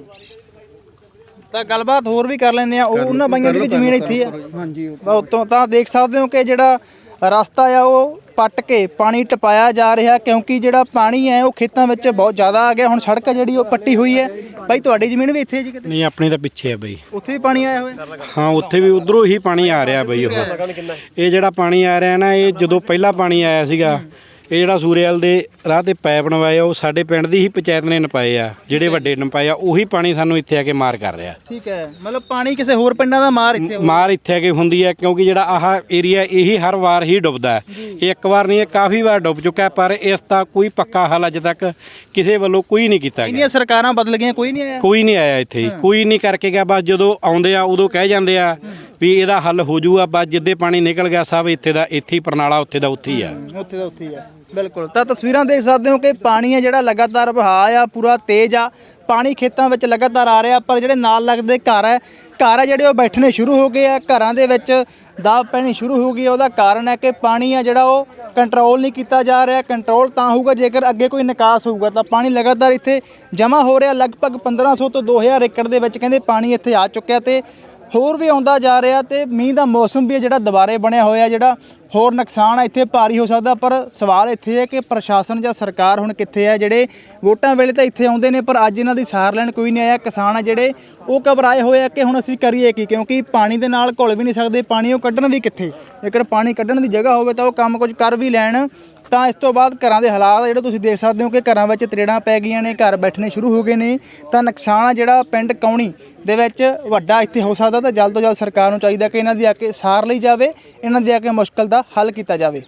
S3: ਤਾਂ ਗੱਲਬਾਤ ਹੋਰ ਵੀ ਕਰ ਲੈਂਦੇ ਆ। ਉਹ ਉਹਨਾਂ ਬਾਈਆਂ ਦੀ ਵੀ ਜ਼ਮੀਨ ਇੱਥੇ ਆ ਹਾਂਜੀ, ਉਤੋਂ ਤਾਂ ਦੇਖ ਸਕਦੇ ਹੋ ਕਿ ਜਿਹੜਾ ਰਸਤਾ ਆ ਉਹ ਪੱਟ ਕੇ ਪਾਣੀ ਟਪਾਇਆ ਜਾ ਰਿਹਾ, ਕਿਉਂਕਿ ਜਿਹੜਾ ਪਾਣੀ ਹੈ ਉਹ ਖੇਤਾਂ ਵਿੱਚ ਬਹੁਤ ਜ਼ਿਆਦਾ ਆ ਗਿਆ। ਹੁਣ ਸੜਕ ਜਿਹੜੀ ਉਹ ਪੱਟੀ ਹੋਈ ਹੈ। ਬਾਈ ਤੁਹਾਡੀ ਜ਼ਮੀਨ ਵੀ ਇੱਥੇ ਹੈ ਜੀ ਕਿਤੇ?
S10: ਨਹੀਂ ਆਪਣੀ ਤਾਂ ਪਿੱਛੇ ਆ ਬਈ।
S3: ਉੱਥੇ ਵੀ ਪਾਣੀ ਆਇਆ ਹੋਇਆ?
S10: ਹਾਂ ਉੱਥੇ ਵੀ ਉਧਰੋਂ ਹੀ ਪਾਣੀ ਆ ਰਿਹਾ ਬਈ। ਉਹ ਇਹ ਜਿਹੜਾ ਪਾਣੀ ਆ ਰਿਹਾ ਨਾ, ਇਹ ਜਦੋਂ ਪਹਿਲਾਂ ਪਾਣੀ ਆਇਆ ਸੀਗਾ, ਇਹ ਜਿਹੜਾ ਸੂਰੇਵਾਲ ਦੇ ਰਾਹ ਤੇ ਪਾਈਪ ਨਵਾਏ ਆ, ਉਹ ਸਾਡੇ ਪਿੰਡ ਦੀ ਹੀ ਪੰਚਾਇਤ ਨੇ ਨਪਾਏ ਆ, ਜਿਹੜੇ ਵੱਡੇ ਨਪਾਏ ਆ, ਉਹੀ ਪਾਣੀ ਸਾਨੂੰ ਇੱਥੇ ਆ ਕੇ ਮਾਰ ਕਰ ਰਿਹਾ।
S3: ਠੀਕ ਹੈ, ਮਤਲਬ ਪਾਣੀ ਕਿਸੇ ਹੋਰ ਪਿੰਡਾਂ ਦਾ ਮਾਰ ਇੱਥੇ
S10: ਮਾਰ ਇੱਥੇ ਆ ਕੇ ਹੁੰਦੀ ਹੈ, ਕਿਉਂਕਿ ਜਿਹੜਾ ਆਹ ਏਰੀਆ ਇਹੀ ਹਰ ਵਾਰ ਹੀ ਡੁੱਬਦਾ ਹੈ। ਇਹ ਇੱਕ ਵਾਰ ਨਹੀਂ, ਇਹ ਕਾਫੀ ਵਾਰ ਡੁੱਬ ਚੁੱਕਾ, ਪਰ ਇਸ ਦਾ ਕੋਈ ਪੱਕਾ ਹੱਲ ਅੱਜ ਤੱਕ ਕਿਸੇ ਵੱਲੋਂ ਕੋਈ ਨਹੀਂ ਕੀਤਾ ਗਿਆ।
S3: ਇੰਨੀਆਂ ਸਰਕਾਰਾਂ ਬਦਲ ਗਈਆਂ, ਕੋਈ ਨਹੀਂ ਆਇਆ?
S10: ਕੋਈ ਨਹੀਂ ਆਇਆ ਇੱਥੇ, ਕੋਈ ਨਹੀਂ ਕਰਕੇ ਗਿਆ। ਬਸ ਜਦੋਂ ਆਉਂਦੇ ਆ ਉਦੋਂ ਕਹਿ ਜਾਂਦੇ ਆ ਵੀ ਇਹਦਾ ਹੱਲ ਹੋ ਜਾਊਗਾ, ਬਸ ਜਿੱਦੇ ਪਾਣੀ ਨਿਕਲ ਗਿਆ ਸਭ ਇੱਥੇ ਦਾ ਇੱਥੇ ਹੀ, ਪ੍ਰਣਾਲਾ ਉੱਥੇ ਦਾ ਉੱਥੇ ਹੀ ਆ।
S3: ਉੱਥੇ ਦਾ ਉੱਥੇ ਹੀ ਆ, ਬਿਲਕੁਲ। ਤਾਂ ਤਸਵੀਰਾਂ ਦੇਖ ਸਕਦੇ ਹੋ ਕਿ ਪਾਣੀ ਹੈ ਜਿਹੜਾ ਲਗਾਤਾਰ ਵਹਾਅ ਆ, ਪੂਰਾ ਤੇਜ਼ ਆ। ਪਾਣੀ ਖੇਤਾਂ ਵਿੱਚ ਲਗਾਤਾਰ ਆ ਰਿਹਾ, ਪਰ ਜਿਹੜੇ ਨਾਲ ਲੱਗਦੇ ਘਰ ਹੈ ਘਰ ਹੈ ਜਿਹੜੇ ਉਹ ਬੈਠਣੇ ਸ਼ੁਰੂ ਹੋ ਗਏ ਆ, ਘਰਾਂ ਦੇ ਵਿੱਚ ਦਾਬ ਪੈਣੀ ਸ਼ੁਰੂ ਹੋ ਗਈ ਹੈ। ਉਹਦਾ ਕਾਰਨ ਹੈ ਕਿ ਪਾਣੀ ਆ ਜਿਹੜਾ ਉਹ ਕੰਟਰੋਲ ਨਹੀਂ ਕੀਤਾ ਜਾ ਰਿਹਾ। ਕੰਟਰੋਲ ਤਾਂ ਹੋਊਗਾ ਜੇਕਰ ਅੱਗੇ ਕੋਈ ਨਿਕਾਸ ਹੋਊਗਾ। ਤਾਂ ਪਾਣੀ ਲਗਾਤਾਰ ਇੱਥੇ ਜਮ੍ਹਾਂ ਹੋ ਰਿਹਾ, ਲਗਭਗ ਪੰਦਰਾਂ ਸੌ ਤੋਂ ਦੋ ਹਜ਼ਾਰ ਏਕੜ ਦੇ ਵਿੱਚ ਕਹਿੰਦੇ ਪਾਣੀ ਇੱਥੇ ਆ ਚੁੱਕਿਆ ਤੇ ਹੋਰ ਵੀ ਆਉਂਦਾ ਜਾ ਰਿਹਾ। ਤੇ ਮੀਂਹ ਦਾ ਮੌਸਮ ਵੀ ਜਿਹੜਾ ਦੁਬਾਰੇ ਬਣਿਆ ਹੋਇਆ, ਜਿਹੜਾ ਹੋਰ ਨੁਕਸਾਨ ਆ ਇੱਥੇ ਭਾਰੀ ਹੋ ਸਕਦਾ। ਪਰ ਸਵਾਲ ਇੱਥੇ ਹੈ ਕਿ ਪ੍ਰਸ਼ਾਸਨ ਜਾਂ ਸਰਕਾਰ ਹੁਣ ਕਿੱਥੇ ਹੈ? ਜਿਹੜੇ ਵੋਟਾਂ ਵੇਲੇ ਤਾਂ ਇੱਥੇ ਆਉਂਦੇ ਨੇ, ਪਰ ਅੱਜ ਇਹਨਾਂ ਦੀ ਸਾਰ ਲੈਣ ਕੋਈ ਨਹੀਂ ਆਇਆ। ਕਿਸਾਨ ਆ ਜਿਹੜੇ ਉਹ ਘਬਰਾਏ ਹੋਏ ਆ ਕਿ ਹੁਣ ਅਸੀਂ ਕਰੀਏ ਕੀ, ਕਿਉਂਕਿ ਪਾਣੀ ਦੇ ਨਾਲ ਘੁਲ ਵੀ ਨਹੀਂ ਸਕਦੇ, ਪਾਣੀ ਉਹ ਕੱਢਣ ਵੀ ਕਿੱਥੇ? ਜੇਕਰ ਪਾਣੀ ਕੱਢਣ ਦੀ ਜਗ੍ਹਾ ਹੋਵੇ ਤਾਂ ਉਹ ਕੰਮ ਕੁਝ ਕਰ ਵੀ ਲੈਣ। ਤਾਂ ਇਸ ਤੋਂ ਬਾਅਦ ਘਰਾਂ ਦੇ ਹਾਲਾਤ ਜਿਹੜੇ ਤੁਸੀਂ ਦੇਖ ਸਕਦੇ ਹੋ ਕਿ ਘਰਾਂ ਵਿੱਚ ਤਰੇੜਾਂ ਪੈ ਗਈਆਂ ਨੇ, ਘਰ ਬੈਠਣੇ ਸ਼ੁਰੂ ਹੋ ਗਏ ਨੇ। ਤਾਂ ਨੁਕਸਾਨ ਆ ਜਿਹੜਾ ਪਿੰਡ ਕੌਣੀ ਦੇ ਵਿੱਚ ਵੱਡਾ ਇੱਥੇ ਹੋ ਸਕਦਾ। ਤਾਂ ਜਲਦ ਤੋਂ ਜਲਦ ਸਰਕਾਰ ਨੂੰ ਚਾਹੀਦਾ ਕਿ ਇਹਨਾਂ ਦੀ ਆ ਕੇ ਸਾਰ ਲਈ ਜਾਵੇ, ਇਹਨਾਂ ਦੀ ਆ ਕੇ ਮੁਸ਼ਕਲ ਦਾ ਹੱਲ ਕੀਤਾ ਜਾਵੇ।